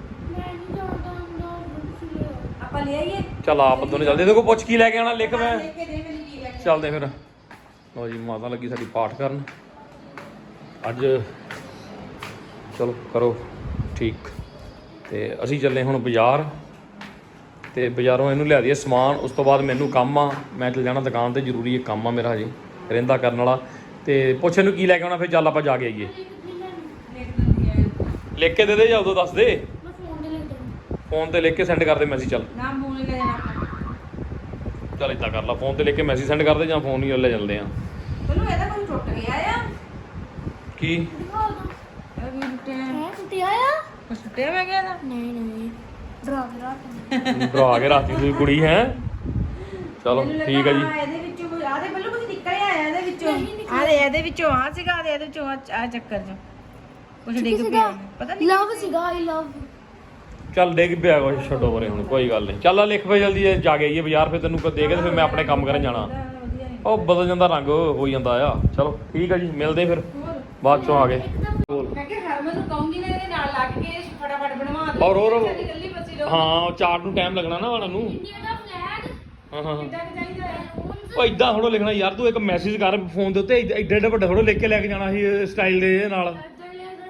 ਆਪਾਂ ਲੈ ਆਈਏ ਚੱਲ ਆਪ ਦੋਨੇ ਚੱਲਦੇ ਇਹਦੇ ਕੋਲ ਪੁੱਛ ਕੀ ਲੈ ਕੇ ਆਣਾ ਲਿਖ ਮੈਂ ਲੈ ਕੇ ਦੇ ਮੈਨੂੰ ਕੀ ਲੈ ਕੇ ਚੱਲਦੇ ਫਿਰ ਲਓ ਜੀ ਮਾਤਾ ਲੱਗੀ ਸਾਡੀ ਪਾਠ ਕਰਨ ਅੱਜ ਚਲੋ ਕਰੋ ਠੀਕ ਤੇ ਅਸੀਂ ਚੱਲੇ ਹੁਣ ਬਾਜ਼ਾਰ ਤੇ ਬਾਜ਼ਾਰੋਂ ਇਹਨੂੰ ਲਿਆ ਦਈਏ ਸਮਾਨ ਉਸ ਤੋਂ ਬਾਅਦ ਮੈਨੂੰ ਕੰਮ ਆ ਮੈਂ ਚੱਲ ਜਾਣਾ ਦੁਕਾਨ ਤੇ ਜ਼ਰੂਰੀ ਇੱਕ ਕੰਮ ਆ ਮੇਰਾ ਹਜੇ ਰਹਿੰਦਾ ਕਰਨ ਵਾਲਾ ਤੇ ਪੁੱਛ ਇਹਨੂੰ ਕੀ ਲੈ ਕੇ ਆਉਣਾ ਫਿਰ ਚੱਲ ਆਪਾਂ ਜਾ ਕੇ ਆਈਏ ਲਿਖ ਦਿੰਦੀ ਆ ਲਿਖ ਕੇ ਦੇ ਦੇ ਜਾਂ ਉਦੋਂ ਦੱਸ ਦੇ ਫੋਨ ਤੇ ਲਿਖ ਕੇ ਸੈਂਡ ਕਰ ਦੇ ਮੈਸੇਜ ਚੱਲ ਨਾ ਮੂੰਹ ਲੈ ਜਾਣਾ ਚੱਲ ਇੱਦਾਂ ਕਰ ਲਾ ਫੋਨ ਤੇ ਲਿਖ ਕੇ ਮੈਸੇਜ ਸੈਂਡ ਕਰ ਦੇ ਜਾਂ ਫੋਨ ਹੀ ਲੈ ਚੱਲਦੇ ਆ ਤੈਨੂੰ ਇਹਦਾ ਕੋਈ ਟੁੱਟ ਗਿਆ ਆ ਕੀ ਇਹ ਵੀ ਟੁੱਟਿਆ ਹੈ ਟੁੱਟਿਆ ਆ ਕੁਛ ਟੁੱਟਿਆ ਮੈਂ ਗਿਆ ਦਾ ਨਹੀਂ ਨਹੀਂ ਡਰਾ ਕੇ ਰੱਖ ਡਰਾ ਕੇ ਰਾਤੀ ਤੁਸੀਂ ਕੁੜੀ ਹੈ ਚਲੋ ਠੀਕ ਹੈ ਜੀ ਇਹਦੇ ਵਿੱਚੋਂ ਕੋਈ ਆਦੇ ਬੱਲੂ ਕੁਝ ਨਿਕਲਿਆ ਆਇਆ ਇਹਦੇ ਵਿੱਚੋਂ ਆਦੇ ਇਹਦੇ ਵਿੱਚੋਂ ਆ ਸੀਗਾ ਤੇ ਇਹਦੇ ਵਿੱਚੋਂ ਆ ਚੱਕਰ ਚ ਕੁਝ ਡਿੱਗ ਪਿਆ ਪਤਾ ਨਹੀਂ ਲਵ ਸੀਗਾ ਆਈ ਲਵ ਚੱਲ ਡਿੱਗ ਪਿਆ ਕੁਛ ਛੱਡੋ ਪਰੇ ਹੁਣ ਕੋਈ ਗੱਲ ਨਹੀਂ ਚੱਲ ਆ ਲਿਖ ਪਏ ਜਲਦੀ ਜਾ ਕੇ ਆਈਏ ਬਾਜ਼ਾਰ ਫਿਰ ਤੈਨੂੰ ਦੇ ਕੇ ਤੇ ਫਿਰ ਮੈਂ ਆਪਣੇ ਕੰਮ ਕਰਨ ਜਾਣਾ ਉਹ ਬਦਲ ਜਾਂਦਾ ਰੰਗ ਹੋ ਜਾਂਦਾ ਆ ਚਲੋ ਠੀਕ ਆ ਜੀ ਮਿਲਦੇ ਫਿਰ ਬਾਅਦ ਚੋਂ ਆ ਗਏ ਮੈਂ ਕਿ ਹਰਮਨ ਨੂੰ ਕਹੂੰਗੀ ਨਾ ਇਹਦੇ ਨਾਲ ਲੱਗ ਕੇ ਫਟਾਫਟ ਬਣਵਾ ਦੇ ਔਰ ਹੋਰ ਸਾਡੀ ਇਕੱਲੀ ਬੱਚੀ ਰਹੂ ਹਾਂ ਚਾਰਟ ਨੂੰ ਟਾਈਮ ਲੱਗਣਾ ਨਾ ਉਹਨਾਂ ਨੂੰ ਇੰਡੀਆ ਦਾ ਫਲੈਗ ਹਾਂ ਹਾਂ ਕਿੱਦਾਂ ਕੁ ਚਾਹੀਦਾ ਹੈ ਉਹ ਇਦਾਂ ਥੋੜੋ ਲਿਖਣਾ ਯਾਰ ਤੂੰ ਇੱਕ ਮੈਸੇਜ ਕਰ ਫੋਨ ਦੇ ਉੱਤੇ ਏਡਾ ਏਡਾ ਵੱਡਾ ਥੋੜੋ ਲਿਖ ਕੇ ਲੈ ਕੇ ਜਾਣਾ ਸੀ ਸਟਾਈਲ ਦੇ ਨਾਲ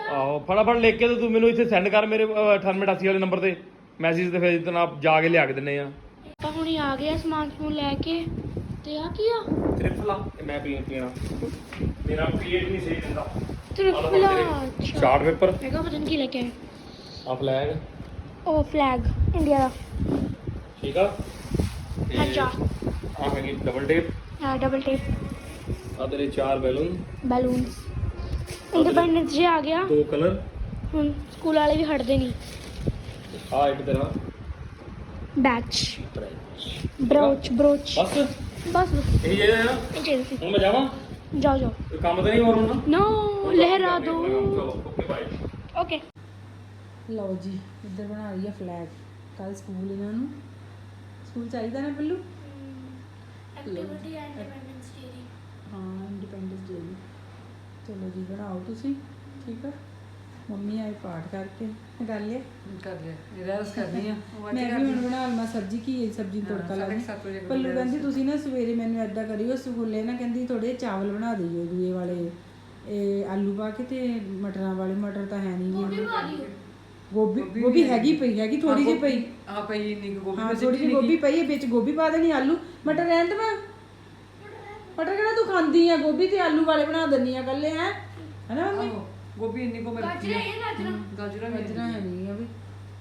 ਆਹੋ ਫਟਾਫਟ ਲਿਖ ਕੇ ਤੇ ਤੂੰ ਮੈਨੂੰ ਇੱਥੇ ਸੈਂਡ ਕਰ ਮੇਰੇ ਅਠਾਨਵੇਂ ਅਠਾਸੀ ਵਾਲੇ ਨੰਬਰ ਤੇ ਮੈਸੇਜ ਤੇ, ਫਿਰ ਜਨਾਬ ਜਾ ਕੇ ਲਿਆ ਕੇ ਦਿੰਨੇ ਆ। ਆਪਾਂ ਹੁਣੀ ਆ ਗਏ ਆ ਸਮਾਨ ਸਮੂਨ ਲੈ ਕੇ। ਤੇ ਆ ਕੀ ਆ? ਤ੍ਰਿਫਲਾ ਮੈਂ ਪੀ ਪੀਣਾ ਮੇਰਾ ਪੀਏਟ ਨਹੀਂ ਸਹੀ ਦਿੰਦਾ। ਤ੍ਰਿਫਲਾ ਚਾਰਟ ਪੇਪਰ ਮੈਂ ਕਿਹਾ ਪਤਾ ਨਹੀਂ ਕੀ ਲੈ ਕੇ ਆਏ। ਆ ਫਲੈਗ ਉਹ ਫਲੈਗ ਇੰਡੀਆ ਦਾ। ਠੀਕ ਆ। ਅੱਛਾ ਆ ਹੈਗੀ ਡਬਲ ਟੇਪ, ਆ ਡਬਲ ਟੇਪ, ਆ ਤੇਰੇ ਚਾਰ ਬੈਲੂਨ, ਬੈਲੂਨਸ। ਇੰਡੀਪੈਂਡੈਂਸ ਡੇ ਆ ਗਿਆ, ਦੋ ਕਲਰ। ਹੁਣ ਸਕੂਲ ਵਾਲੇ ਵੀ ਹਟਦੇ ਨਹੀਂ। ਆ ਇੱਕ ਤੇਰਾ ਬੈਚ, ਬ੍ਰੋਚ ਬ੍ਰੋਚ ਬਸ ਬਸ ਬਸ ਇਹੀ ਚਾਹੀਦਾ ਨਾ। ਇਹ ਚਾਹੀਦਾ ਸੀ। ਹੁਣ ਮੈਂ ਜਾਵਾਂ, ਜਾਓ ਜਾਓ। ਕੋਈ ਕੰਮ ਤਾਂ ਨਹੀਂ ਹੋਰ ਹੋਣਾ। ਨੋ ਲਹਿਰਾ ਦੋ। Okay bye. ਓਕੇ ਲਓ ਜੀ ਇੱਧਰ ਬਣਾ ਰਹੀ ਆ ਫਲੈਗ। ਕੱਲ ਸਕੂਲ ਇਹਨਾਂ ਨੂੰ ਸਕੂਲ ਚਾਹੀਦਾ ਨਾ ਪੱਲੂ। ਐਕਟੀਵਿਟੀ ਇੰਡੀਪੈਂਡੈਂਸ ਡੇ ਦੀ। ਹਾਂ ਇੰਡੀਪੈਂਡੈਂਸ ਡੇ ਦੀ। ਚਲੋ ਜੀ ਬਣਾਓ ਤੁਸੀਂ, ਠੀਕ ਆ। ਮੰਮੀ ਆਏ ਪਾਠ ਕਰਕੇ ਕਰ ਲਿਆ ਕਰ ਲਿਆ ਇਹਦਾ ਰਸ ਕਰਨੀ ਆ ਮੈਂ ਵੀ ਹੁਣ ਬਣਾ ਲਵਾਂ ਸਬਜ਼ੀ। ਕੀ ਸਬਜ਼ੀ ਨੂੰ ਤੜਕਾ ਲਾਉਣਾ। ਪੱਲੂ ਕਹਿੰਦੀ ਤੁਸੀਂ ਨਾ ਸਵੇਰੇ ਮੈਨੂੰ ਐਦਾਂ ਕਰਿਓ, ਸਕੂਲੇ ਨਾ ਕਹਿੰਦੀ ਥੋੜੇ ਚਾਵਲ ਬਣਾ ਦਿਓ ਦੂਏ ਵਾਲੇ, ਇਹ ਆਲੂ ਪਾ ਕੇ ਤੇ ਮਟਰਾਂ ਵਾਲੇ। ਮਟਰ ਤਾਂ ਹੈ ਨਹੀਂ ਜੀ। ਗੋਭੀ ਗੋਭੀ ਹੈਗੀ ਪਈ ਹੈਗੀ ਥੋੜੀ ਜਿਹੀ ਪਈ। ਆ ਪਈ ਇੰਨੀ ਕੁ ਗੋਭੀ ਹਾਂ ਥੋੜੀ ਜਿਹੀ ਗੋਭੀ ਪਈ ਹੈ, ਵਿੱਚ ਗੋਭੀ ਪਾ ਦੇਣੀ। ਆਲੂ ਮਟਰ ਰਹਿਣ ਦੇਵਾਂ। ਮਟਰ ਕਿਹੜਾ ਤੂੰ ਖਾਂਦੀ ਆ? ਗੋਭੀ ਤੇ ਆਲੂ ਵਾਲੇ ਬਣਾ ਦਿੰਨੀ ਆ ਕੱਲੇ ਹੈ ਹਨਾ ਮੰਮੀ। ਆਹੋ, ਗੋਭੀ ਇੰਨੀ ਕੋ ਮਿਲਦੀ ਹੈ। ਗਾਜਰਾਂ ਗਾਜਰਾਂ ਗਾਜਰਾਂ ਹੈ ਨਹੀਂ ਆ ਵੀ।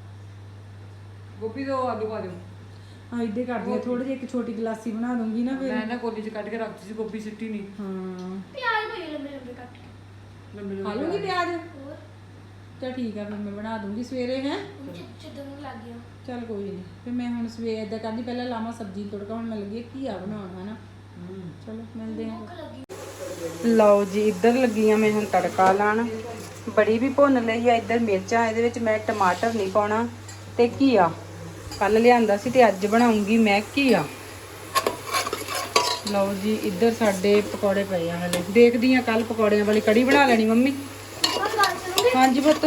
ਗੋਭੀ ਤੋਂ ਆਲੂ ਪਾ ਦਿਓ। ਹਾਂ ਇੱਦਾਂ ਕਰਦੀ ਆ, ਥੋੜੀ ਜਿਹੀ ਇੱਕ ਛੋਟੀ ਗਲਾਸੀ ਬਣਾ ਦੂੰਗੀ ਨਾ ਫਿਰ। ਮੈਂ ਨਾ ਕੋਲੀ ਚ ਕੱਢ ਕੇ ਰੱਖਤੀ ਸੀ, ਗੋਭੀ ਸਿੱਟੀ ਨਹੀਂ। ਹਾਂ ਪਿਆਜ਼ ਪਈ ਲੰਬੇ ਲੰਬੇ ਕੱਟ ਕੇ। ਲੰਬੇ ਖਾ ਲੂੰਗੀ ਪਿਆਜ਼। ਚਲ ਠੀਕ ਆ ਫਿਰ ਮੈਂ ਬਣਾ ਦੂੰਗੀ ਸਵੇਰੇ ਹੈ। ਜਿੱਦਾਂ ਨੂੰ ਲੱਗ ਗਿਆ। ਚਲ ਕੋਈ ਨਹੀਂ ਫਿਰ ਮੈਂ ਹੁਣ ਸਵੇਰੇ ਏਦਾਂ ਕਰਦੀ, ਪਹਿਲਾਂ ਲਾਵਾਂ ਸਬਜ਼ੀ ਨੂੰ ਤੜਕਾ। ਹੁਣ ਮੈਂ ਲੱਗੀ ਘੀਆ ਬਣਾਉਣ ਹਨਾ। ਚਲੋ ਮਿਲਦੇ ਹਾਂ। ਲਓ ਜੀ ਇੱਧਰ ਲੱਗੀ ਆ ਮੈਂ ਹੁਣ ਤੜਕਾ ਲਾਣ। ਬੜੀ ਵੀ ਭੁੰਨ ਲਈ ਆ। ਇੱਧਰ ਮਿਰਚਾਂ, ਇਹਦੇ ਵਿੱਚ ਮੈਂ ਟਮਾਟਰ ਨਹੀਂ ਪਾਉਣਾ। ਤੇ ਘੀਆ ਕੱਲ ਲਿਆਂਦਾ ਸੀ ਤੇ ਅੱਜ ਬਣਾਉਂਗੀ ਮੈਂ ਘੀਆ। ਲਓ ਜੀ ਇੱਧਰ ਸਾਡੇ ਪਕੌੜੇ ਪਏ ਆ ਹਲੇ। ਦੇਖਦੀ ਆ ਕੱਲ ਪਕੌੜਿਆਂ ਵਾਲੀ ਕੜੀ ਬਣਾ ਲੈਣੀ ਮੰਮੀ। ਹਾਂਜੀ ਪੁੱਤ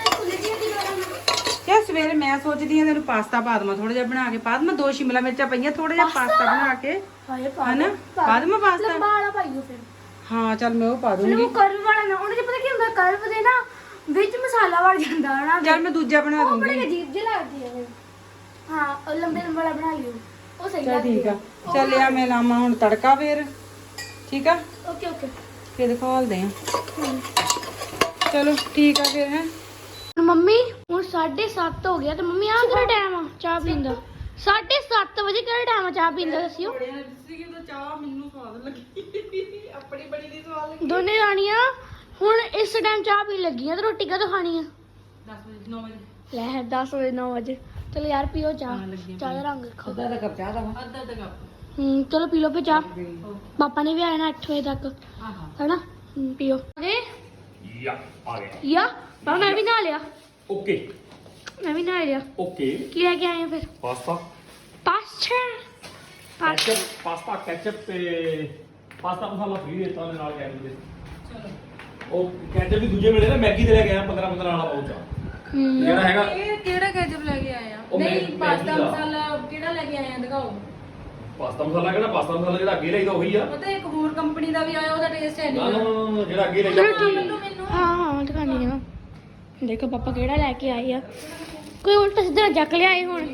ਯਾ ਸਵੇਰੇ ਮੈਂ ਸੋਚਦੀ ਆ ਤੈਨੂੰ ਪਾਸਤਾ ਪਾ ਦਵਾਂ, ਥੋੜਾ ਜਿਹਾ ਬਣਾ ਕੇ ਪਾ ਦਵਾਂ। ਦੋ ਸ਼ਿਮਲਾ ਮਿਰਚਾਂ ਪਈਆਂ, ਥੋੜਾ ਜਿਹਾ ਪਾਸਤਾ ਬਣਾ ਕੇ ਹਾਏ ਹਨਾ ਪਾ ਦਵਾਂ ਪਾਸਤਾ। ਲੰਬਾ ਵਾਲਾ ਪਾਈਓ ਫਿਰ। ਹਾਂ ਚੱਲ ਮੈਂ ਉਹ ਪਾ ਦੂੰਗੀ। ਉਹ ਕਰਵ ਵਾਲਾ ਨਾ, ਉਹਨੇ ਪਤਾ ਕੀ ਹੁੰਦਾ, ਕਰਵ ਦੇ ਨਾ ਵਿੱਚ ਮਸਾਲਾ ਵੜ ਜਾਂਦਾ ਹੈ ਨਾ। ਚੱਲ ਮੈਂ ਦੂਜਾ ਬਣਾ ਉਹ ਦੂੰਗੀ। ਬੜੀ ਅਜੀਬ ਜਿਹੀ ਲੱਗਦੀ ਹੈ। ਹਾਂ ਉਹ ਲੰਬੇ ਲੰਬੇ ਵਾਲਾ ਬਣਾ ਲਿਓ, ਉਹ ਸਹੀ ਚੱਲ ਲੱਗਦੀ ਠੀਕ ਆ। ਚੱਲ ਆ ਮੈਂ ਲਾਵਾਂ ਹੁਣ ਤੜਕਾ ਫੇਰ। ਠੀਕ ਆ ਓਕੇ ਓਕੇ। ਫੇਰ ਦਿਖਾਲਦੇ ਆ। ਚਲੋ ਠੀਕ ਆ ਫਿਰ ਹੈ। ਮੰਮੀ ਹੁਣ ਸਾਢੇ ਸੱਤ ਹੋ ਗਿਆ ਤੇ ਮੰਮੀ ਆਹ ਕਿਹੜਾ ਟਾਈਮ ਆ ਚਾਹ ਪੀਣ ਦਾ? ਸਾਢੇ ਸੱਤ ਵਜੇ ਕਿਹੜਾ ਟਾਈਮ ਆ ਚਾਹ ਪੀਣ ਦਾ ਦੱਸਿਓ। ਚਾਹ ਮੈਨੂੰ ਸਵਾਦ ਲੱਗੀ, ਆਪਣੀ ਬੜੀ ਦੀ ਸਵਾਦ ਲੱਗੀ। ਦੋਨੇ ਰਾਣੀਆਂ ਹੁਣ ਇਸ ਟਾਈਮ ਚਾਹ ਪੀਣ ਲੱਗੀਆਂ ਤੇ ਰੋਟੀ ਕਦੋਂ ਖਾਣੀ ਆ? ਦਸ ਵਜੇ ਨੌ ਵਜੇ। ਲੈ ਦਸ ਵਜੇ ਨੌ ਵਜੇ। ਚਲੋ ਯਾਰ ਪੀਓ ਚਾਹ। ਚਾਹ ਦਾ ਰੰਗ ਦੇਖੋ। ਅੱਧਾ ਕੱਪ ਚਾਹ ਦਾ ਅੱਧਾ ਅੱਧਾ ਕੱਪ। ਹੂੰ ਚਲੋ ਪੀ ਲਓ ਫਿਰ ਚਾਹ। ਪਾਪਾ ਨੇ ਵੀ ਆਇਆ ਨਾ ਅੱਠ ਵਜੇ ਤੱਕ ਹਾਂ ਹਾਂ ਹੈਨਾ। ਹੂੰ, ਪੀਓ। ਅਰੇ ਯਾ ਆ ਗਿਆ। ਯਾ ਪਾਪਾ ਮੈਂ ਵੀ ਨਹਾ ਲਿਆ। ਓਕੇ ਮੈਂ ਵੀ ਨਹਾ ਲਿਆ। ਓਕੇ। ਕੀ ਲੈ ਕੇ ਆਏ ਆ ਫਿਰ? Pasta, pasta ketchup, pasta ketchup ਤੇ ਪਾਸਤਾ ਮਸਾਲਾ ਫ੍ਰੀ ਦਿੱਤਾ ਉਹਨੇ ਨਾਲ ਕੈਚਅਪ ਦੇ। ਚਲੋ ਉਹ ਕੈਚਅਪ ਵੀ ਦੂਜੇ ਮਿਲੇ ਨਾ, ਮੈਗੀ ਦੇ ਲੈ ਕੇ ਆਇਆ ਪੰਦਰਾਂ ਪੰਦਰਾਂ ਵਾਲਾ ਪਾਊਚ ਆ। ਹੂੰ ਜਿਹੜਾ ਹੈਗਾ ਇਹ ਕਿਹੜਾ ਕੈਚਅਪ ਲੈ ਕੇ ਆਏ ਆ? ਉਹ ਨਹੀਂ ਮੈਗੀ ਪਾਸਤਾ ਦਾ। ਮਸਾਲਾ ਕਿਹੜਾ ਲੈ ਕੇ ਆਏ ਆ ਦਿਖਾਓ। ਪਾਸਤਾ ਮਸਾਲਾ ਕਿਹੜਾ? ਪਾਸਤਾ ਮਸਾਲਾ ਜਿਹੜਾ ਅੱਗੇ ਲਈਦਾ ਉਹੀ ਆ। ਪਤਾ ਇੱਕ ਹੋਰ ਕੰਪਨੀ ਦਾ ਵੀ ਆਇਆ, ਉਹਦਾ ਟੇਸਟ ਹੈ ਨਾ ਨਹੀਂ। ਨਾ ਨਾ, ਨਾ, ਜਿਹੜਾ ਅੱਗੇ ਲਈਦਾ ਚਲੋ ਉਹੀ ਆ। ਠੀਕ। ਹਾਂ ਹਾਂ ਦਿਖਾਣੀ ਆ। ਦੇਖੋ ਪਾਪਾ ਕਿਹੜਾ ਲੈ ਕੇ ਆਏ ਆ। ਕੋਈ ਉਲਟਾ ਸਿੱਧਾ ਜੱਕ ਲਿਆਏ ਹੁਣ।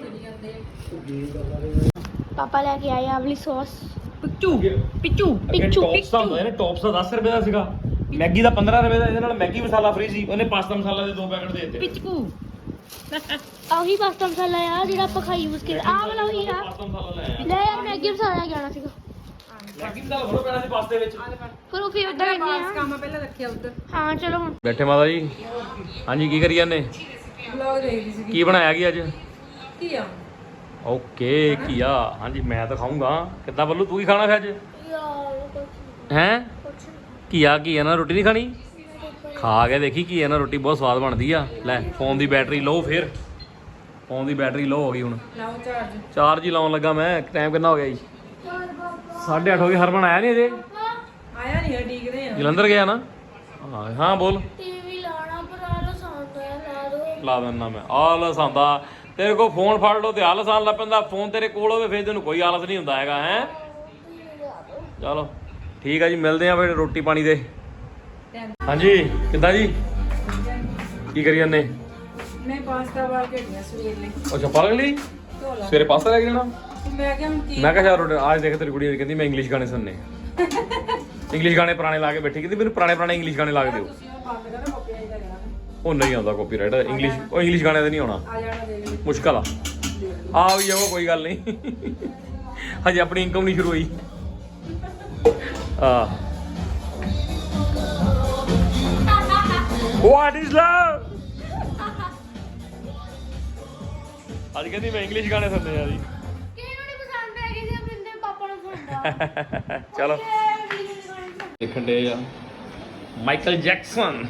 ਪਾਪਾ ਲੈ ਕੇ ਆਏ ਆ ਆਵਲੀ ਸੌਸ। ਪਿੱਚੂ ਪਿੱਚੂ ਅੱਗੇ ਪਿੱਚੂ, ਟੌਪਸ ਦਾ ਹੁੰਦਾ ਹੈ ਨਾ, ਟੌਪਸ ਦਾ ਦਸ ਰੁਪਏ ਦਾ ਸੀਗਾ, ਮੈਗੀ ਦਾ ਪੰਦਰਾਂ ਰੁਪਏ ਦਾ। ਇਹਦੇ ਨਾਲ ਮੈਗੀ ਮਸਾਲਾ ਫ੍ਰੀ ਸੀ, ਉਹਨੇ ਪਾਸਤਾ ਮਸਾਲਾ ਦੇ ਦੋ ਪੈਕਟ ਦੇ ਦਿੱਤੇ। ਪਿੱਚੂ ਆਹੀ ਪਾਸਤਾ ਮਸਾਲਾ ਆ ਜਿਹੜਾ ਆਪਾਂ ਖਾਈ ਯੂਜ਼ ਕੀਤਾ। ਆਹ ਵਾਲਾ ਉਹੀ ਆ। ਪਾਸਤਾ ਮਸਾਲਾ ਲੈ ਆਇਆ। ਲੈ ਯਾਰ ਮੈਗੀ ਮਸਾਲਾ ਲੈ ਕੇ ਆਉਣਾ ਸੀਗਾ। ਮੈਗੀ ਮਸਾਲਾ ਥੋੜਾ ਪੈਣਾ ਸੀ ਪਾਸਤੇ ਵਿੱਚ। ਪਰ ਉਹ ਫਿਰ ਉਦਾਂ ਕਹਿੰਦੇ ਬਾਸ ਆ। ਕੰਮ ਪਹਿਲਾਂ ਰੱਖਿਆ ਉੱਧਰ। ਹਾਂ ਚਲੋ ਹੁਣ ਬੈਠੇ ਮਾਤਾ ਜੀ। ਹਾਂਜੀ ਕੀ ਕਰੀ ਜਾਂਦੇ? ਵਲੌਗ ਦੇਖਦੀ ਸੀ। ਕੀ ਬਣਾਇਆ ਕੀ ਅੱਜ? ਕੀ ਆ? ਓਕੇ ਘੀਆ। ਹਾਂਜੀ ਮੈਂ ਤਾਂ ਖਾਊਂਗਾ। ਕਿੱਦਾਂ ਬੱਲੂ ਤੂੰ ਕੀ ਖਾਣਾ ਫਿਰ ਅੱਜ? ਹੈਂ ਘੀਆ ਘੀਆ ਨਾਲ ਰੋਟੀ ਨਹੀਂ ਖਾਣੀ? ਖਾ ਕੇ ਦੇਖੀ ਘੀਆ ਨਾਲ ਰੋਟੀ ਬਹੁਤ ਸਵਾਦ ਬਣਦੀ ਆ। ਲੈ ਫੋਨ ਦੀ ਬੈਟਰੀ ਲਓ, ਫਿਰ ਫੋਨ ਦੀ ਬੈਟਰੀ ਲਓ ਹੋ ਗਈ ਹੁਣ। ਲਾਓ ਚਾਰਜ। ਚਾਰਜ ਹੀ ਲਾਉਣ ਲੱਗਾ ਮੈਂ। ਟਾਈਮ ਕਿੰਨਾ ਹੋ ਗਿਆ ਜੀ? ਸਾਢੇ ਅੱਠ ਹੋ ਗਏ। ਹਰਮਨ ਆਇਆ ਨਹੀਂ ਅਜੇ? ਆਇਆ ਨਹੀਂ, ਡੀਕਦੇ ਆ। ਜਲੰਧਰ ਗਿਆ ਨਾ? ਹਾਂ ਹਾਂ ਬੋਲ। ਟੀਵੀ ਲਾਣਾ ਪਰ ਆਲੋ ਸਾਉਂਦਾ ਲਾ ਦੋ। ਲਾ ਦਿੰਦਾ ਮੈਂ। ਆਲਸ ਆਉਂਦਾ ਤੇਰੇ ਕੋਲ, ਫੋਨ ਫੜ ਲਓ ਤੇ ਆਲਸ ਆਉਣ ਲੱਗ ਪੈਂਦਾ। ਫੋਨ ਤੇਰੇ ਕੋਲ ਹੋਵੇ ਫਿਰ ਤੈਨੂੰ ਕੋਈ ਆਲਸ ਨਹੀਂ ਹੁੰਦਾ ਹੈਗਾ ਹੈ। ਚਲੋ ਠੀਕ ਆ ਜੀ, ਮਿਲਦੇ ਆ ਫਿਰ ਰੋਟੀ ਪਾਣੀ ਦੇ। ਹਾਂਜੀ ਕਿੱਦਾਂ ਜੀ? ਕੀ ਕਰੀ ਜਾਂਦੇ? ਮੈਂ ਪਾਸਤਾ ਵਾਲ ਕੇ ਗਿਆ ਸਵੇਰ ਲਈ ਅੱਛਾ ਪਲਕ ਲਈ ਸਵੇਰੇ ਪਾਸਤਾ ਲੈ ਕੇ ਜਾਣਾ। ਮੈਂ ਕਿਹਾ ਹੁਣ ਕੀ ਮੈਂ ਕਿਹਾ ਯਾਰ ਅੱਜ ਦੇਖ ਤੇਰੀ ਕੁੜੀ ਕਹਿੰਦੀ ਮੈਂ ਇੰਗਲਿਸ਼ ਗਾਣੇ ਸੁਣਨੇ। ਇੰਗਲਿਸ਼ ਗਾਣੇ ਪੁਰਾਣੇ ਲਾ ਕੇ ਬੈਠੀ ਕਹਿੰਦੀ ਮੈਨੂੰ ਪੁਰਾਣੇ ਪੁਰਾਣੇ ਇੰਗਲਿਸ਼ ਗਾਣੇ ਲਾ ਕੇ ਦਿਓ। ਤੁਸੀਂ ਉਹ ਬੰਦ ਕਰੋ ਕਾਪੀਰਾਈਟ ਦਾ ਕਰਾਂਗੇ। ਉਹ ਨਹੀਂ ਆਉਂਦਾ ਕਾਪੀਰਾਈਟ ਇੰਗਲਿਸ਼ ਉਹ ਇੰਗਲਿਸ਼ ਗਾਣੇ ਤੇ ਨਹੀਂ ਆਉਣਾ ਆ ਜਾਣਾ ਦੇਖ ਲਈ ਮੁਸ਼ਕਲ ਆ ਆ ਵੀ ਜਾਓ ਕੋਈ ਗੱਲ ਨਹੀਂ ਹਜੇ ਆਪਣੀ ਇਨਕਮ ਨਹੀਂ ਸ਼ੁਰੂ ਹੋਈ ਆ ਵਾਟ ਇਜ਼ ਲਵ ਅੱਜ ਕਹਿੰਦੀ ਮੈਂ ਇੰਗਲਿਸ਼ ਗਾਣੇ ਸੁਣਨੇ ਆ ਜੀ ਕਿਹਨੂੰ ਨਹੀਂ ਪਸੰਦ ਹੈਗੇ ਸੀ ਆਪਣੇ ਪਾਪਾ ਨੂੰ ਸੁਣਦਾ ਚਲੋ ਦੇਖਣ ਦੇ ਆ ਮਾਈਕਲ ਜੈਕਸਨ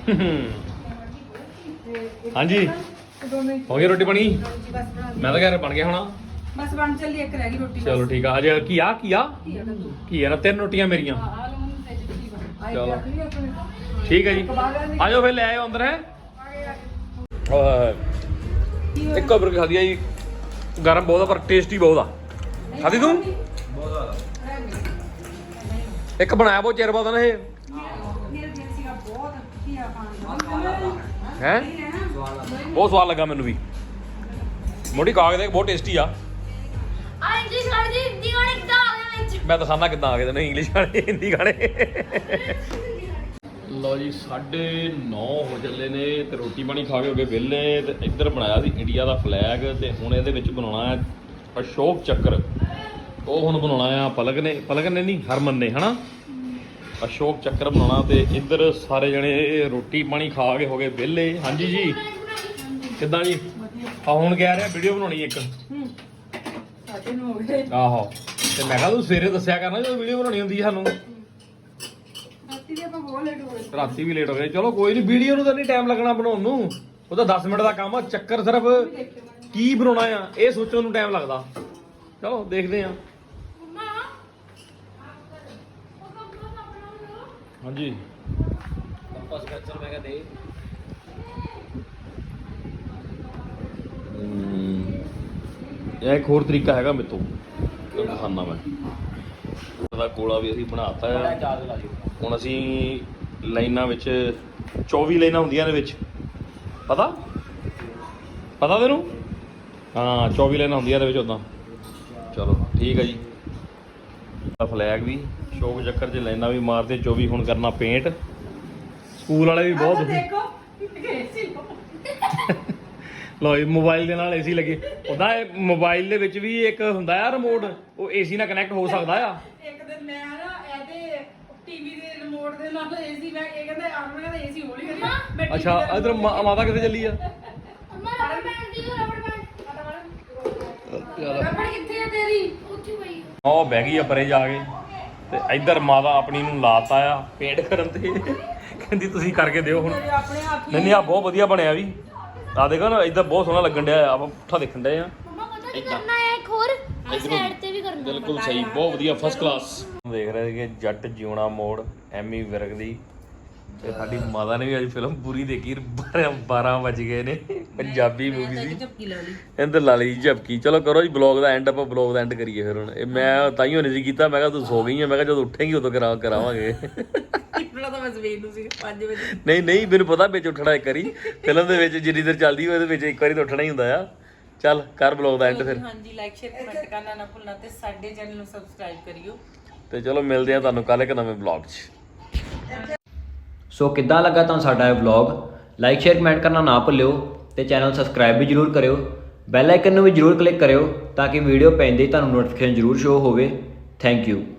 ਹਾਂਜੀ ਹੋ ਗਈ ਰੋਟੀ ਬਣੀ ਮੈਂ ਤਾਂ ਕਹਿ ਬਣ ਗਿਆ ਹੋਣਾ ਬਸ ਬਣ ਚੱਲੀ ਇੱਕ ਰਹਿ ਗਈ ਰੋਟੀ ਚਲੋ ਠੀਕ ਆ ਅਜੇ ਕੀ ਆ ਕੀ ਆ ਕੀ ਆ ਨਾ ਤਿੰਨ ਰੋਟੀਆਂ ਮੇਰੀਆਂ ਆ ਲਓ ਹੁਣ ਤੇ ਜੀ ਬਣ ਚਲੋ। ਆਈ ਰੱਖ ਲਈ ਆਪਣੇ ਠੀਕ ਹੈ ਜੀ ਆਜੋ ਫਿਰ ਲੈ ਆਇਓ ਅੰਦਰ ਹੈ ਇੱਕੋ ਬਰਗਰ ਖਾਦੀ ਆ ਜੀ ਗਰਮ ਬਹੁਤ ਆ ਪਰ ਟੇਸਟੀ ਬਹੁਤ ਆ ਖਾਦੀ ਤੂੰ ਇੱਕ ਬਣਾਇਆ ਬਹੁਤ ਚਿਰ ਬਾਅਦ ਨਾ ਇਹ ਮੇਰੇ ਦਿਲ ਸੀਗਾ ਬਹੁਤ ਧੀਆ ਖਾਣ ਦਾ ਹੈ ਬਹੁਤ ਸਵਾਦ ਲੱਗਾ ਮੈਨੂੰ ਵੀ ਮੋਟੀ ਕਾਗ ਦੇ ਬਹੁਤ ਟੇਸਟੀ ਆ ਆ ਇੰਗਲਿਸ਼ ਗਾਣੇ ਦੀ ਹਿੰਦੀ ਗਾਣੇ ਕਿੱਦਾਂ ਆ ਗਏ ਵਿੱਚ ਮੈਂ ਦਿਖਾਣਾ ਕਿੱਦਾਂ ਆ ਗਏ ਤੈਨੂੰ ਇੰਗਲਿਸ਼ ਗਾਣੇ ਹਿੰਦੀ ਗਾਣੇ ਲਓ ਜੀ ਸਾਢੇ ਨੌ ਹੋ ਚੱਲੇ ਨੇ ਤੇ ਰੋਟੀ ਪਾਣੀ ਖਾ ਕੇ ਹੋ ਗਏ ਵਿਹਲੇ ਤੇ ਇੱਧਰ ਬਣਾਇਆ ਸੀ ਇੰਡੀਆ ਦਾ ਫਲੈਗ ਤੇ ਹੁਣ ਇਹਦੇ ਵਿੱਚ ਬਣਾਉਣਾ ਹੈ ਅਸ਼ੋਕ ਚੱਕਰ ਉਹ ਹੁਣ ਬਣਾਉਣਾ ਆ ਪਲਕ ਨੇ ਪਲਕ ਨੇ ਨਹੀਂ ਹਰਮਨ ਨੇ ਹਨਾ ਅਸ਼ੋਕ ਚੱਕਰ ਬਣਾਉਣਾ ਤੇ ਇੱਧਰ ਸਾਰੇ ਜਣੇ ਰੋਟੀ ਪਾਣੀ ਖਾ ਕੇ ਹੋ ਗਏ ਵਿਹਲੇ ਹਾਂਜੀ ਜੀ ਕਿੱਦਾਂ ਜੀ ਆ ਹੁਣ ਕਹਿ ਰਿਹਾ ਵੀਡੀਓ ਬਣਾਉਣੀ ਇੱਕ ਸਾਡੇ ਨੂੰ ਹੋ ਗਏ ਆਹੋ ਤੇ ਮੈਂ ਕਿਹਾ ਤੂੰ ਸਵੇਰੇ ਦੱਸਿਆ ਕਰਨਾ ਜਦੋਂ ਵੀਡੀਓ ਬਣਾਉਣੀ ਹੁੰਦੀ ਸਾਨੂੰ ਰਾਤੀ ਦੇ ਆਪਾਂ ਬਹੁਤ ਲੇਟ ਹੋ ਗਏ ਰਾਤੀ ਵੀ ਲੇਟ ਹੋ ਗਏ ਚਲੋ ਕੋਈ ਨਹੀਂ ਵੀਡੀਓ ਨੂੰ ਤਾਂ ਨਹੀਂ ਟਾਈਮ ਲੱਗਣਾ ਬਣਾਉਣ ਨੂੰ ਉਹ ਤਾਂ ਦਸ ਮਿੰਟ ਦਾ ਕੰਮ ਆ ਚੱਕਰ ਸਿਰਫ ਕੀ ਬਣਾਉਣਾ ਆ ਇਹ ਸੋਚਣ ਨੂੰ ਟਾਈਮ ਲੱਗਦਾ ਚਲੋ ਦੇਖਦੇ ਆ ਹਾਂਜੀ ਕੰਪਸ ਕਲਚਰ ਮੈਂ ਕਿਹਾ ਦੇ ਇਹ ਇੱਕ ਹੋਰ ਤਰੀਕਾ ਹੈਗਾ ਮੇਰੇ ਤੋਂ ਤੁਹਾਨੂੰ ਦਿਖਾਉਂਦਾ ਮੈਂ ਉਹਦਾ ਕੋਲਾ ਵੀ ਅਸੀਂ ਬਣਾਤਾ ਆ ਚਾਰ ਲਾ ਦਿਓ ਹੁਣ ਅਸੀਂ ਲਾਈਨਾਂ ਵਿੱਚ ਚੌਵੀ ਲਾਈਨਾਂ ਹੁੰਦੀਆਂ ਨੇ ਵਿੱਚ ਪਤਾ ਪਤਾ ਤੈਨੂੰ ਹਾਂ ਚੌਵੀ ਲਾਈਨਾਂ ਹੁੰਦੀਆਂ ਨੇ ਵਿੱਚ ਉਦਾਂ ਚਲੋ ਠੀਕ ਹੈ ਜੀ ਫਲੈਗ ਵੀ ਸ਼ੋਕ ਚੱਕਰ 'ਚ ਲਾਈਨਾਂ ਵੀ ਮਾਰਦੇ ਚੌਵੀ ਹੁਣ ਕਰਨਾ ਪੇਂਟ ਸਕੂਲ ਵਾਲੇ ਵੀ ਬਹੁਤ ਦੇਖੋ ਏਸੀ ਲੋ ਇਹ ਮੋਬਾਈਲ ਦੇ ਨਾਲ ਏਸੀ ਲੱਗੇ ਉਹਦਾ ਇਹ ਮੋਬਾਈਲ ਦੇ ਵਿੱਚ ਵੀ ਇੱਕ ਹੁੰਦਾ ਆ ਰਿਮੋਟ ਉਹ ਏਸੀ ਨਾਲ ਕਨੈਕਟ ਹੋ ਸਕਦਾ ਆ ਇੱਕ ਦਿਨ ਮੈਂ ਨਾ ਇਹਦੇ ਟੀਵੀ ਦੇ ਰਿਮੋਟ ਦੇ ਨਾਲ ਏਸੀ ਮੈਂ ਇਹ ਕਹਿੰਦੇ ਆਰਮਨ ਕਹਿੰਦਾ ਏਸੀ ਹੌਲੀ ਕਰੀ ਮੈਂ ਅੱਛਾ ਇਧਰ ਮਾਤਾ ਕਿੱਥੇ ਚੱਲੀ ਆ ਅੰਮਾ ਰਬੜ ਬੈਂਡ ਦੀ ਰਬੜ ਬੈਂਡ ਰਬੜ ਕਿੱਥੇ ਆ ਤੇਰੀ ਉੱਥੇ ਪਈ ਉਹ ਬਹਿ ਗਈ ਆ ਪਰੇ ਜਾ ਕੇ ਤੇ ਇੱਧਰ ਮਾਤਾ ਆਪਣੀ ਨੂੰ ਲਾਤਾ ਆ ਪੇਂਟ ਕਰਨ ਤੇ ਕਹਿੰਦੀ ਤੁਸੀਂ ਕਰਕੇ ਦਿਓ ਹੁਣ ਆਪਣੇ ਹੱਥ ਨਹੀਂ ਨਹੀਂ ਆ ਬਹੁਤ ਵਧੀਆ ਬਣਿਆ ਵੀ ਆ ਦੇਖੋ ਨਾ ਇੱਧਰ ਬਹੁਤ ਸੋਹਣਾ ਲੱਗਣ ਡਿਆ ਆਪਾਂ ਪੁੱਠਾ ਦੇਖਣ ਡਏ ਆ ਮੰਮਾ ਪਤਾ ਕੀ ਕਰਨਾ ਹੈ ਇੱਕ ਹੋਰ ਆ ਸਾਈਡ ਤੇ ਵੀ ਕਰਨਾ ਬਿਲਕੁਲ ਸਹੀ ਬਹੁਤ ਵਧੀਆ ਫਸਟ ਕਲਾਸ ਦੇਖ ਰਹੇ ਕਿ ਜੱਟ ਜਿਉਣਾ ਮੋੜ ਐਮੀ ਵਿਰਕ ਦੀ ਤੇ ਸਾਡੀ ਮਾਤਾ ਨੇ ਵੀ ਅੱਜ ਫਿਲਮ ਪੂਰੀ ਦੇਖੀ ਬਾਰਾਂ ਵੱਜ ਗਏ ਨੇ ਪੰਜਾਬੀ ਮੂਵੀ ਸੀ ਝਪਕੀ ਲਾ ਲਈ ਇੰਦਰ ਲਾ ਲਈ ਝਪਕੀ ਚਲੋ ਕਰੋ ਜੀ ਬਲੌਗ ਦਾ ਐਂਡ ਆਪਾਂ ਬਲੌਗ ਦਾ ਐਂਡ ਕਰੀਏ ਫਿਰ ਹੁਣ ਇਹ ਮੈਂ ਤਾਂ ਹੀ ਹੋਣੇ ਸੀ ਕੀਤਾ ਮੈਂ ਕਿਹਾ ਤੂੰ ਸੋ ਗਈ ਆ ਮੈਂ ਕਿਹਾ ਜਦੋਂ ਉੱਠੇਂਗੀ ਉਦੋਂ ਕਰਾ ਕਰਾਵਾਂਗੇ ਇਤਨਾ ਤਾਂ ਮੈਂ ਸਵੇਰ ਨੂੰ ਸੀ ਪੰਜ ਵਜੇ ਨਹੀਂ ਨਹੀਂ ਮੈਨੂੰ ਪਤਾ ਵਿੱਚ ਉੱਠਣਾ ਇੱਕ ਵਾਰੀ ਫਿਲਮ ਦੇ ਵਿੱਚ ਜਿੰਨੀ ਦੇਰ ਚੱਲਦੀ ਹੋਵੇ ਉਹਦੇ ਵਿੱਚ ਇੱਕ ਵਾਰੀ ਤਾਂ ਉੱਠਣਾ ਹੀ ਹੁੰਦਾ ਆ ਚੱਲ ਕਰ ਬਲੌਗ ਦਾ ਐਂਡ ਫਿਰ ਹਾਂਜੀ ਲਾਈਕ ਸ਼ੇਅਰ ਕਮੈਂਟ ਕਰਨਾ ਨਾ ਭੁੱਲਣਾ ਤੇ ਸਾਡੇ ਚੈਨਲ ਨੂੰ ਸਬਸਕ੍ਰਾਈਬ ਕਰਿਓ ਤੇ ਚਲੋ ਮਿਲਦੇ ਆ ਤੁਹਾਨੂੰ ਕੱਲ ਇੱਕ ਨਵੇਂ ਬਲੌਗ 'ਚ ਸੋ ਕਿੱਦਾਂ ਲੱਗਾ ਤੁਹਾਨੂੰ ਸਾਡਾ ਇਹ ਵਲੌਗ ਲਾਈਕ ਸ਼ੇਅਰ ਕਮੈਂਟ ਕਰਨਾ ਨਾ ਭੁੱਲਿਓ ਤੇ ਚੈਨਲ ਸਬਸਕ੍ਰਾਈਬ ਵੀ ਜਰੂਰ ਕਰਿਓ ਬੈਲ ਆਈਕਨ ਨੂੰ ਵੀ ਜਰੂਰ ਕਲਿੱਕ ਕਰਿਓ ਤਾਂ ਕਿ ਵੀਡੀਓ ਪੈਂਦੇ ਹੀ ਤੁਹਾਨੂੰ ਨੋਟੀਫਿਕੇਸ਼ਨ ਜਰੂਰ ਸ਼ੋ ਹੋਵੇ ਥੈਂਕ ਯੂ